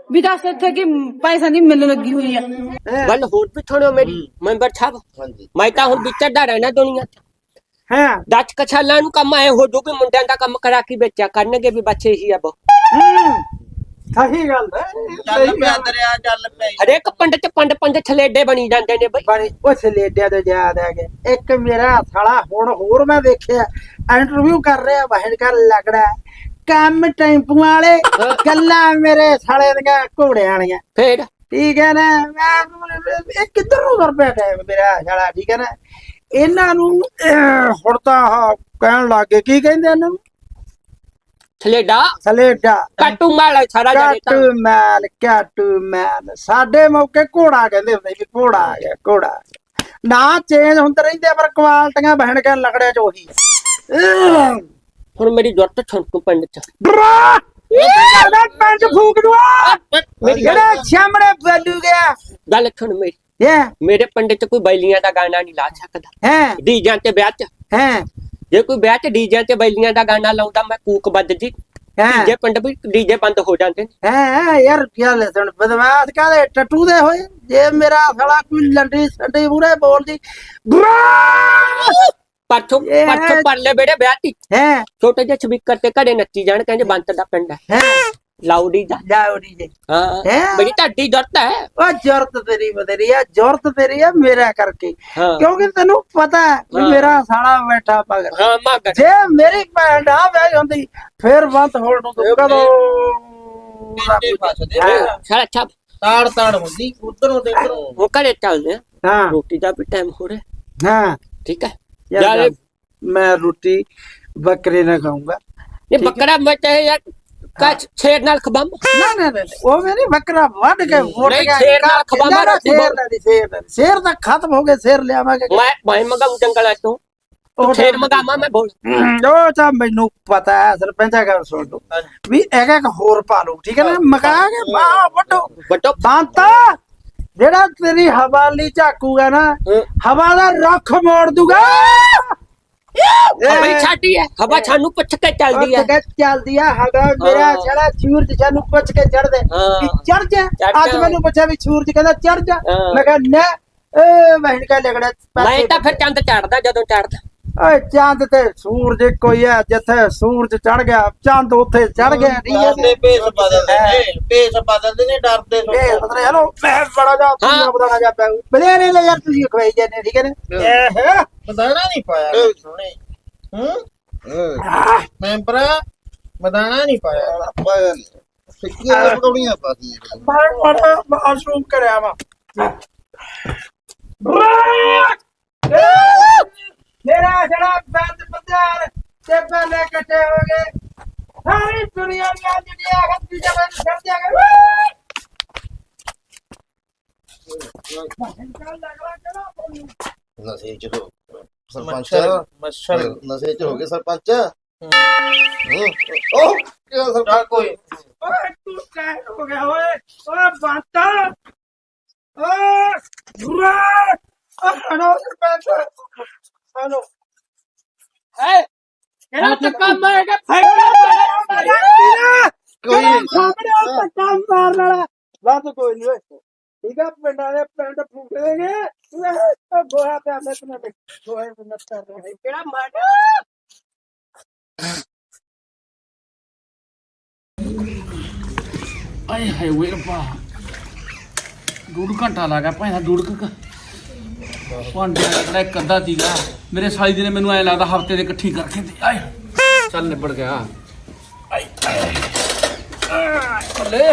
[SPEAKER 3] ਵੀ ਦੱਸ ਇੱਥੇ ਕੀ ਪੈਸਾ ਦੀ ਮਿਲ ਲੱਗੀ ਹੋਈ ਆ।
[SPEAKER 1] ਗੱਲ ਹੋਰ ਵੀ ਥੋੜੋ ਮੇਰੀ ਮੈਂਬਰ ਸਾਹਿਬ ਮੈਂ ਤਾਂ ਹੁਣ ਵਿਚਰਦਾ ਰਹਿਣਾ ਦੁਨੀਆ ਤੇ
[SPEAKER 2] ਹਾਂ
[SPEAKER 1] 10 ਕਛਾਲਾਂ ਨੂੰ ਕੰਮ ਆਏ ਹੋ ਜੋ ਵੀ ਮੁੰਡਿਆਂ ਦਾ ਕੰਮ ਕਰਾ ਕੇ ਵੇਚਿਆ ਕਰਨਗੇ ਵੀ ਬੱਚੇ ਹੀ ਆ ਬੋ
[SPEAKER 2] ਸਹੀ ਗੱਲ ਹੈ
[SPEAKER 5] ਚੱਲ ਪਿਆ ਦਰਿਆ ਚੱਲ ਪਿਆ
[SPEAKER 1] ਹਰੇਕ ਪਿੰਡ ਚ ਪੰਜ ਛਲੇਡੇ ਬਣੀ ਜਾਂਦੇ ਨੇ ਬਈ
[SPEAKER 2] ਬੜੀ ਉਸ ਲੇਡਿਆਂ ਤੋਂ ਯਾਦ ਆ ਗਿਆ ਇੱਕ ਮੇਰਾ ਸਾਲਾ ਹੁਣ ਹੋਰ ਮੈਂ ਵੇਖਿਆ ਇੰਟਰਵਿਊ ਕਰ ਰਿਹਾ ਬਹਿਣ ਕਰ ਲੱਗਦਾ ਕੰਮ ਟੈਂਪੂ ਵਾਲੇ ਗੱਲਾਂ ਮੇਰੇ ਸਾਲੇ ਦੀਆਂ ਘੋੜਿਆਂ ਵਾਲੀਆਂ
[SPEAKER 1] ਫੇਰ
[SPEAKER 2] ਠੀਕ ਹੈ ਨਾ ਇਹ ਕਿੱਧਰ ਨੂੰ ਤੁਰ ਪਿਆ ਟਾਈਮ ਮੇਰਾ ਸਾਲਾ ਠੀਕ ਹੈ ਨਾ ਇਹਨਾਂ ਨੂੰ ਹੁਣ ਤਾਂ ਕਹਿਣ ਲੱਗੇ ਕੀ ਕਹਿੰਦੇ ਇਹਨਾਂ ਨੂੰ
[SPEAKER 1] ਛਲੇਡਾ
[SPEAKER 2] ਸਲੇਡਾ
[SPEAKER 1] ਕਾਟੂ ਮਾਲ ਸਾਰਾ ਜਾਣੇ ਤਾਂ
[SPEAKER 2] ਕਾਟੂ ਮੈਲ ਸਾਡੇ ਮੌਕੇ ਘੋੜਾ ਕਹਿੰਦੇ ਹੁੰਦੇ ਵੀ ਘੋੜਾ ਆ ਗਿਆ ਘੋੜਾ ਆ ਗਿਆ। ਨਾ ਚੇਂਜ ਹੁੰਦੇ ਰਹਿੰਦੇ ਪਰ ਕੁਆਲਟੀਆਂ ਬਹਿਣ ਕੇ ਲਗੜਿਆ ਚ ਉਹੀ
[SPEAKER 1] ਹੁਣ ਮੇਰੀ ਜ਼ਰੂਰਤ ਛੁੱਟੂ ਪਿੰਡ ਚ
[SPEAKER 2] ਪੰਜ ਫੂਕ ਦੂਆ
[SPEAKER 1] ਮੇਰੀ
[SPEAKER 2] ਜਿਹੜਾ ਸਾਹਮਣੇ ਬੈਲੂ ਗਿਆ
[SPEAKER 1] ਗੱਲ ਸੁਣ ਮੇਰੀ ਮੇਰੇ ਪਿੰਡ ਚ ਕੋਈ ਬੈਲੀਆਂ ਦਾ ਗਾਣਾ ਨਹੀਂ ਲਾ ਸਕਦਾ
[SPEAKER 2] ਹੈ
[SPEAKER 1] ਡੀਜਾਂ ਤੇ ਵਿਆਹ ਚ
[SPEAKER 2] ਹੈ
[SPEAKER 1] ਜੇ ਕੋਈ ਵਿਆਹ ਚ ਡੀਜੇ ਤੇ ਬੈਲੀਆਂ ਦਾ ਗਾਣਾ ਲਾਉਂਦਾ ਮੈਂ ਕੂਕ ਵੱਜ ਜੀ ਡੀਜੇ ਪਿੰਡ ਵੀ ਡੀਜੇ ਬੰਦ ਹੋ ਜਾਂਦੇ ਨੇ
[SPEAKER 2] ਹੈ ਯਾਰ ਕੀ ਲੈ ਸੁਣ ਬਦਮਾਸ਼ ਕਾਲੇ ਟੱਟੂ ਦੇ ਹੋਏ ਜੇ ਮੇਰਾ ਸਾਲਾ ਕੋਈ ਲੰਡੀ ਸੰਡੀ ਮੂਰੇ ਬੋਲਦੀ
[SPEAKER 1] ਪਰਸੋਂ ਪਰਲੇ ਬੇੜੇ ਵਿਆਹ ਤੀ
[SPEAKER 2] ਹੈ
[SPEAKER 1] ਛੋਟੇ ਜਿਹੇ ਸਪੀਕਰ ਤੇ ਘਰੇ ਨੱਚੀ ਜਾਣ ਕਹਿੰਦੇ ਬੰਤ ਦਾ ਪਿੰਡ ਹੈ ਲਾਉਡੀ ਦਾ
[SPEAKER 2] ਲਾਉਡੀ ਜੇ
[SPEAKER 1] ਹਾਂ ਬੜੀ ਢਾਡੀ ਜ਼ਰੂਰਤ ਹੈ
[SPEAKER 2] ਉਹ ਜ਼ਰੂਰਤ ਤੇਰੀ ਬਦਰੀ ਆ ਜ਼ਰੂਰਤ ਤੇਰੀ ਆ ਮੇਰਾ ਕਰਕੇ ਕਿਉਂਕਿ ਤੈਨੂੰ ਪਤਾ ਵੀ ਮੇਰਾ ਸਾਲਾ ਬੈਠਾ ਪਗਰ
[SPEAKER 1] ਹਾਂ ਮਗਰ
[SPEAKER 2] ਜੇ ਮੇਰੀ ਭੈਣ ਆ ਵਿਆਹੀ ਹੁੰਦੀ ਫੇਰ ਬੰਦ ਹੋਣ ਨੂੰ ਤੂੰ ਕਦੋਂ
[SPEAKER 1] ਸਾਲਾ ਛਾਪ
[SPEAKER 5] ਤਾੜ ਹੁੰਦੀ ਉਧਰੋਂ ਤੇ ਇਧਰੋਂ
[SPEAKER 1] ਉਹ ਘਰੇ ਚੱਲਦੇ ਆ
[SPEAKER 2] ਹਾਂ
[SPEAKER 1] ਰੋਟੀ ਦਾ ਵੀ ਟਾਈਮ ਹੋ ਰਿਹਾ
[SPEAKER 2] ਹਾਂ
[SPEAKER 1] ਠੀਕ ਹੈ
[SPEAKER 2] ਯਾਰ ਮੈਂ ਰੋਟੀ ਬੱਕਰੇ ਨਾ ਖਾਊਂਗਾ
[SPEAKER 1] ਇਹ ਬੱਕਰਾ ਮੈਂ ਚਾਹੇ ਯਾਰ ਕੱਚ ਛੇਰ ਨਾਲ ਖਬਮ
[SPEAKER 2] ਨਾ ਉਹ ਮੇਰੀ ਬੱਕਰਾ ਵੱਢ ਕੇ ਵੋਟ
[SPEAKER 1] ਨਹੀਂ ਛੇਰ ਨਾਲ ਖਬਮ ਰੋਟੀ
[SPEAKER 2] ਸ਼ੇਰ ਤਾਂ ਖਤਮ ਹੋ ਗਏ ਸ਼ੇਰ ਲਿਆਵਾਂਗੇ
[SPEAKER 1] ਮੈਂ ਮਗਾਉਂ ਜੰਗਲਾਂ ਤੋਂ ਛੇਰ ਮਗਾਵਾਂ ਮੈਂ ਬੋਲ
[SPEAKER 2] ਉਹ ਤਾਂ ਮੈਨੂੰ ਪਤਾ ਹੈ ਸਰਪੰਚਾ ਗੱਲ ਸੁਣ ਲਓ ਵੀ ਇੱਕ ਹੋਰ ਪਾ ਲਓ ਠੀਕ ਹੈ ਨਾ ਮਕਾ ਕੇ ਬਾਹ ਵੱਡੋ ਬੰਤਾ ਜਿਹੜਾ ਤੇਰੀ ਹਵਾਲੀ ਝਾਕੂਗਾ ਨਾ ਹਵਾ ਦਾ ਰੁੱਖ ਮੋੜ ਦੂਗਾ
[SPEAKER 1] ਹਵਾ ਛਾਟੀ ਹੈ ਹਵਾ ਸਾਨੂੰ ਪੁੱਛ ਕੇ ਚੱਲਦੀ ਹੈ
[SPEAKER 2] ਚੱਲਦੀ ਆ ਹਵਾ ਮੇਰਾ ਛੜਾ ਸੂਰਜ ਸਾਨੂੰ ਪੁੱਛ ਕੇ ਚੜਦੇ ਵੀ ਚੜ ਜਾ ਅੱਜ ਮੈਨੂੰ ਪੁੱਛਿਆ ਵੀ ਸੂਰਜ ਕਹਿੰਦਾ ਚੜ ਜਾ ਮੈਂ ਕਿਹਾ ਨਾ ਵਹਿਣ ਕਾ ਲਗੜਾ
[SPEAKER 1] ਮੈਂ ਤਾਂ ਫਿਰ ਚੰਦ ਚੜਦਾ ਜਦੋਂ ਚੜਦਾ
[SPEAKER 2] ਓਏ ਚੰਦ ਤੇ ਸੂਰਜ ਕੋਈ ਹੈ ਜਿੱਥੇ ਸੂਰਜ ਚੜ ਗਿਆ ਚੰਦ ਉੱਥੇ ਚੜ ਗਿਆ ਠੀਕ ਹੈ
[SPEAKER 5] ਭੇਸ ਬਦਲਦੇ ਨੇ ਡਰਦੇ
[SPEAKER 2] ਮਤਲਬ ਹੈਲੋ ਮੈਂ ਬੜਾ ਜਾ ਤੂੰ ਬਤਾਣਾ ਜਾ ਪਿਆ ਬਲੇ ਨੇ ਯਾਰ ਤੁਸੀਂ ਖਵਾਈ ਜਾਂਦੇ ਠੀਕ ਹੈ ਨਾ
[SPEAKER 5] ਬਦਾਣਾ ਨਹੀਂ ਪਾਇਆ ਸੋਹਣੇ ਮੈਂਬਰਾ ਬਦਾਣਾ ਨਹੀਂ ਪਾਇਆ ਸਿੱਕੀਆਂ ਪਕੌੜੀਆਂ ਪਾਦੀਆਂ
[SPEAKER 2] ਬੜਾ ਮਾਸ਼ਰੂਮ ਕਰਿਆ ਵਾ ਮੇਰਾ ਜਿਹੜਾ ਬੰਦ ਬੰਦਾਰ ਤੇ ਪਹਿਲੇ ਕੱਟੇ ਹੋ ਗਏ ਸਾਰੀ ਦੁਨੀਆ ਦੀਆਂ ਜਿਹੜੀਆਂ ਹੱਥੀ ਜਮਾਂ ਛੱਡ ਦਿਆਂਗੇ
[SPEAKER 5] ਨਸ਼ੇ ਚ ਹੋ ਸਰਪੰਚ ਨਸ਼ੇ ਚ ਹੋ ਗਏ ਸਰਪੰਚ ਉਹ ਕੀ ਸਰਕਾਰ ਕੋਈ
[SPEAKER 2] ਓਏ ਤੂੰ ਕਹਿ ਹੋ ਗਿਆ ਓਏ ਓਏ ਬੰਤਾ ਓਏ ਬੁਰਾ ਹਣੋ ਸਰਪੰਚ ਹਣੋ ਇਹਦਾ ਧੱਕਾ ਮਾਰੇਗਾ ਕੋਈ ਸਾਹਮਣੇ ਧੱਕਾ ਮਾਰਨ ਵਾਲਾ ਬਾਤ ਕੋਈ ਨਹੀਂ ਓਏ ਠੀਕ ਆ ਪਿੰਡਾਂ ਦੇ ਪਿੰਡ ਫੂਕ ਦੇਗੇ ਉਹ ਗੋਹਾ ਤੇ ਆਲੇ ਤੇ ਗੋਹੇ ਨੂੰ ਕਰ ਰਹੇ ਕਿਹੜਾ ਮਾਰ
[SPEAKER 4] ਆਏ ਹਾਏ ਵੇ ਰੱਬਾ ਡੂੜ ਘੰਟਾ ਲੱਗਾ ਭਾਵੇਂ ਡੂੜ ਭਾਂਡਿਆਂ ਦਾ ਇੱਕ ਅੱਧਾ ਸੀਗਾ ਮੇਰੇ ਸਾਲੀ ਦੀ ਨੇ ਮੈਨੂੰ ਐ ਲੱਗਦਾ ਹਫਤੇ ਦੇ ਇਕੱਠੀ ਕਰਕੇ ਦੇ ਆਏ ਚੱਲ ਨਿਬੜ ਗਿਆ ਆਏ ਲੈ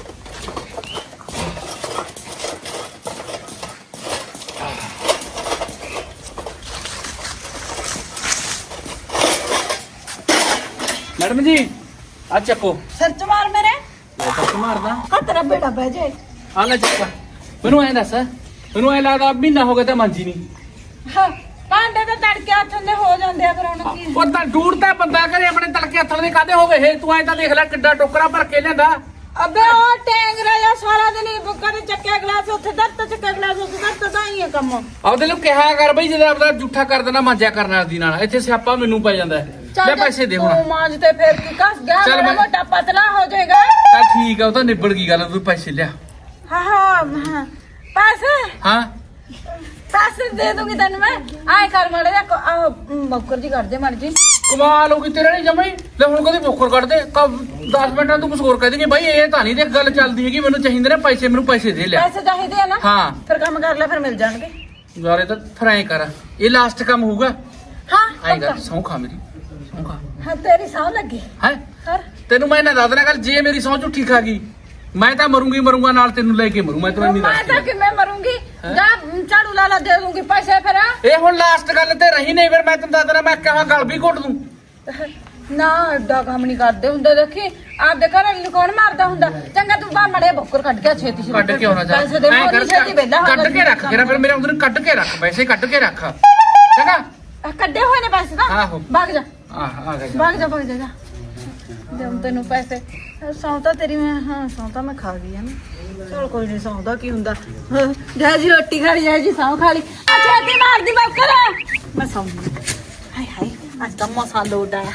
[SPEAKER 4] ਮੈਡਮ ਜੀ ਆ ਚੱਕੋ
[SPEAKER 3] ਸਿਰ ਚ ਮਾਰ ਮੇਰੇ
[SPEAKER 4] ਚੱਕ ਮਾਰਦਾ
[SPEAKER 3] ਆ ਤੇਰਾ ਬੇੜਾ ਬਹਿ ਜਾਏ
[SPEAKER 4] ਆ ਲੈ ਚੱਕਾ ਮੈਨੂੰ ਐ ਦੱਸ ਮੈਨੂੰ ਐ ਲੱਗਦਾ ਮਹੀਨਾ ਹੋ ਗਿਆ ਤਾਂ ਮਾਂਜੀ ਨਹੀਂ
[SPEAKER 3] ਭਾਂਡੇ ਤਾਂ ਤੜਕੇ ਹੱਥਾਂ ਦੇ ਹੋ ਜਾਂਦੇ ਆ ਫਿਰ ਹੁਣ ਕੀ
[SPEAKER 4] ਉਹ ਤਾਂ ਡੂੜ ਤਾਂ ਬੰਦਾ ਕਰੇ ਆਪਣੇ ਤਲਕੇ ਹੱਥਾਂ ਦੇ ਕਾਦੇ ਹੋ ਗਏ ਤੂੰ ਐ ਤਾਂ ਦੇਖ ਲੈ ਕਿੱਡਾ ਟੋਕਰਾ ਭਰ ਕੇ ਲਿਆਂਦਾ
[SPEAKER 3] ਅਬੇ ਉਹ ਟੈਂਗਰਾ ਜਾਂ ਸਾਰਾ ਦਿਨ ਹੀ ਬੁੱਕਾ ਤੇ ਚੱਕਿਆ ਗਲਾਸ ਉੱਥੇ ਦਰਤ ਚੱਕਿਆ ਗਲਾਸ ਉੱਥੇ ਦਰਤ ਤਾਂ ਹੀ ਹੈ ਕੰਮ
[SPEAKER 4] ਆਪਦੇ ਨੂੰ ਕਿਹਾ ਕਰ ਬਈ ਜਦੋਂ ਆਪਦਾ ਝੂਠਾ ਕਰ ਦੇਣਾ ਮਾਂਜਿਆ ਕਰਨ ਵਾਲੀ ਨਾਲ ਇੱਥੇ ਸਿਆਪਾ ਮੈਨੂੰ ਪੈ ਜਾਂਦਾ ਲੈ ਪੈਸੇ ਦੇ ਹੁਣ
[SPEAKER 3] ਤੂੰ ਮਾਂਜ ਤੇ ਫਿਰ ਕੀ ਕੱਸ ਗਿਆ
[SPEAKER 4] ਚੱਲ
[SPEAKER 3] ਮੇਰਾ
[SPEAKER 4] ਮੈਂ-
[SPEAKER 3] ਮੋਟਾ ਪਤਲਾ ਹੋ ਜਾਏਗਾ
[SPEAKER 4] ਚੱਲ ਠੀਕ ਆ ਉਹ ਤਾਂ ਨਿਬੜ ਗਈ ਗੱਲ ਤੂੰ ਪੈਸੇ ਲਿਆ
[SPEAKER 3] ਹਾਂ ਪੈਸੇ
[SPEAKER 4] ਹਾਂ
[SPEAKER 3] ਪੈਸੇ ਦੇ ਦੂੰਗੀ ਤੈਨੂੰ ਮੈਂ ਆਏ ਕਰ ਮੜੇ ਆ ਮੌਕਰ ਜੀ ਕਰ ਦੇ ਮੜ ਜੀ
[SPEAKER 4] ਕਮਾਲ ਹੋ ਗਈ ਤੇਰੇ ਨਹੀਂ ਜਮਾਈ ਲੈ ਹੁਣ ਕਦੇ ਬੋਕਰ ਕੱਢ ਦੇ 10 ਮਿੰਟਾਂ ਤੂੰ ਕੁਝ ਹੋਰ ਕਹਿ ਦੇਂਗੇ ਬਾਈ ਇਹ ਤਾਂ ਨਹੀਂ ਦੇਖ ਗੱਲ ਚੱਲਦੀ ਹੈਗੀ ਮੈਨੂੰ ਚਾਹੀਦੇ ਨੇ ਪੈਸੇ ਮੈਨੂੰ ਪੈਸੇ ਦੇ ਲਿਆ
[SPEAKER 3] ਪੈਸੇ ਚਾਹੀਦੇ ਆ ਨਾ
[SPEAKER 4] ਹਾਂ
[SPEAKER 3] ਫਿਰ ਕੰਮ ਕਰ ਲੈ ਫਿਰ ਮਿਲ ਜਾਣਗੇ
[SPEAKER 4] ਯਾਰ ਇਹ ਤਾਂ ਫਿਰ ਐਂ ਕਰ ਇਹ ਲਾਸਟ ਕੰਮ ਹੋਊਗਾ
[SPEAKER 3] ਹਾਂ
[SPEAKER 4] ਐਂ ਕਰ ਸਹੁੰ ਖਾ ਮੇਰੀ ਸਹੁੰ ਖਾ
[SPEAKER 3] ਹਾਂ ਤੇਰੀ ਸੌ ਲੱਗੀ
[SPEAKER 4] ਹੈ
[SPEAKER 3] ਹਰ
[SPEAKER 4] ਤੈਨੂੰ ਮੈਂ ਨਾ ਦੱਸ ਦੇਣਾ ਗੱਲ ਜੇ ਮੇਰੀ ਸਹੁੰ ਝੂਠੀ ਖਾ ਗਈ ਮੈਂ ਤਾਂ ਮਰੂੰਗਾ ਨਾਲ ਤੈਨੂੰ ਲੈ ਕੇ ਮਰੂ ਮੈਂ ਤੈਨੂੰ ਨਹੀਂ
[SPEAKER 3] ਮੈਂ ਤਾਂ
[SPEAKER 4] ਦੱਸਦੀ
[SPEAKER 3] ਕਿਵੇਂ ਮਰੂੰਗੀ ਜਾ ਝਾੜੂ ਲਾ ਦੇ ਦੂੰਗੀ ਪੈਸੇ ਫਿਰ
[SPEAKER 4] ਇਹ ਹੁਣ ਲਾਸਟ ਗੱਲ ਤੇ ਰਹੀ ਨਹੀਂ ਫਿਰ ਮੈਂ ਤੈਨੂੰ ਦੱਸ ਦੇਣਾ ਮੈਂ ਕਹਾਂ ਗਲ ਵੀ ਘੁੱਟ ਦੂੰ
[SPEAKER 3] ਨਾ ਐਡਾ ਕੰਮ ਨਹੀਂ ਕਰਦੇ ਹੁੰਦੇ ਦੇਖੀ ਆਪਦੇ ਘਰ ਵਾਲੀ ਨੂੰ ਕੌਣ ਮਾਰਦਾ ਹੁੰਦਾ ਚੰਗਾ ਤੂੰ ਬਾ ਮੜੇ ਬੱਕਰ ਕੱਢ ਕੇ ਛੇਤੀ ਛੇਤੀ
[SPEAKER 4] ਕੱਢ ਕੇ ਆਉਣਾ ਜਾ
[SPEAKER 3] ਪੈਸੇ ਦੇ
[SPEAKER 4] ਐਂ
[SPEAKER 3] ਮੋਰੀ ਛੇਤੀ ਵੇਲਾ
[SPEAKER 4] ਕੱਢ ਕੇ ਰੱਖ ਕਿਰਾ ਫਿਰ ਮੇਰੇ ਉਹਨੂੰ ਕੱਢ ਕੇ ਰੱਖ ਪੈਸੇ ਕੱਢ ਕੇ ਰੱਖ ਚੰਗਾ
[SPEAKER 3] ਕੱਢੇ ਹੋਏ ਨੇ ਪੈਸੇ ਤਾਂ
[SPEAKER 4] ਆਹੋ।
[SPEAKER 3] ਭਾਗ ਜਾ
[SPEAKER 4] ਆ ਗਿਆ
[SPEAKER 3] ਭਾਗ ਜਾ ਦੇ ਤੈਨੂੰ ਪੈਸੇ ਸੌਂਤਾ ਤੇਰੀ ਮੈਂ ਹਾਂ ਸੌਂਤਾ ਮੈਂ ਖਾ ਗਈ ਹੈ ਨਾ ਚਲ ਕੋਈ ਨਹੀਂ ਸੌਂਦਾ ਕੀ ਹੁੰਦਾ ਜੈ ਜੀ ਰੋਟੀ ਖਾ ਲਈ ਜੈ ਜੀ ਸੌਂ ਖਾ ਲਈ ਅੱਛਾ ਤੇ ਮਾਰਦੀ ਬੱਕਰ ਮੈਂ ਸੌਂਦੀ ਹਾਏ ਹਾਏ ਅੱਜ ਤਾਂ ਮਸਾ ਲੋਟ ਆਇਆ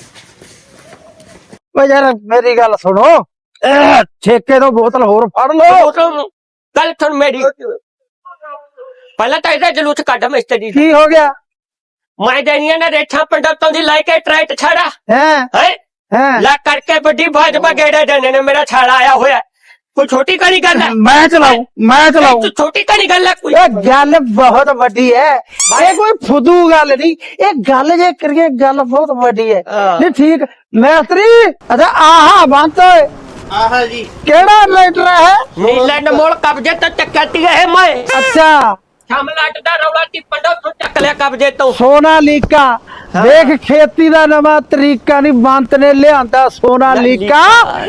[SPEAKER 2] ਓ ਯਾਰ ਮੇਰੀ ਗੱਲ ਸੁਣੋ ਠੇਕੇ ਤੋਂ ਬੋਤਲ ਹੋਰ ਫੜ ਲਓ
[SPEAKER 1] ਗੱਲ ਸੁਣ ਮੇਰੀ ਪਹਿਲਾਂ ਤਾਂ ਇਹਦਾ ਜਲੂਸ ਕੱਢ ਮਿਸਤਰੀ
[SPEAKER 2] ਕੀ ਹੋ ਗਿਆ
[SPEAKER 1] ਮੈਂ ਦੇਣੀਆਂ ਨੇ ਰੇਠਾਂ ਪੰਡਤਾਂ ਦੀ ਲੈ ਕੇ ਟਰੈਟ ਛੜਾ
[SPEAKER 2] ਹੈ
[SPEAKER 1] ਹੈ ਲਾ ਕਰਕੇ ਵੱਡੀ ਭਾਜਪਾ ਗੇੜੇ ਦੇਣੇ ਨੇ ਮੇਰਾ ਛਾੜਾ ਆਇਆ ਹੋਇਆ ਕੋਈ ਛੋਟੀ ਕਣੀ ਗੱਲ ਹੈ
[SPEAKER 2] ਮੈਂ ਚਲਾਉ
[SPEAKER 1] ਤੂੰ ਛੋਟੀ ਕਣੀ ਗੱਲ ਹੈ ਕੋਈ
[SPEAKER 2] ਇਹ ਗੱਲ ਬਹੁਤ ਵੱਡੀ ਹੈ ਇਹ ਕੋਈ ਫੁੱਦੂ ਗੱਲ ਨਹੀਂ ਇਹ ਗੱਲ ਜੇ ਕਰੀਏ ਗੱਲ ਬਹੁਤ ਵੱਡੀ ਹੈ ਨਹੀਂ ਠੀਕ ਮੈਸਤਰੀ ਅੱਛਾ ਆਹਾ ਬੰਤ ਓਏ
[SPEAKER 5] ਆਹਾ ਜੀ
[SPEAKER 2] ਕਿਹੜਾ ਲੈਟਰ ਹੈ
[SPEAKER 1] ਨੀਲੈਂਡ ਮੋਲ ਕਬਜ਼ੇ ਤੋਂ ਚੱਕਤੀ ਹੈ ਮੈਂ
[SPEAKER 2] ਅੱਛਾ
[SPEAKER 1] ਸ਼ਾਮਲਾਟ ਦਾ ਰੌਲਾ ਤੀ ਪੰਡਾ ਤੋਂ ਚੱਕ ਲਿਆ ਕਬਜ਼ੇ ਤੋਂ
[SPEAKER 2] ਸੋਨਾਲੀਕਾ ਦੇਖ ਖੇਤੀ ਦਾ ਨਵਾਂ ਤਰੀਕਾ ਨਹੀਂ ਬੰਤ ਨੇ ਲਿਆਂਦਾ ਸੋਨਾਲੀਕਾ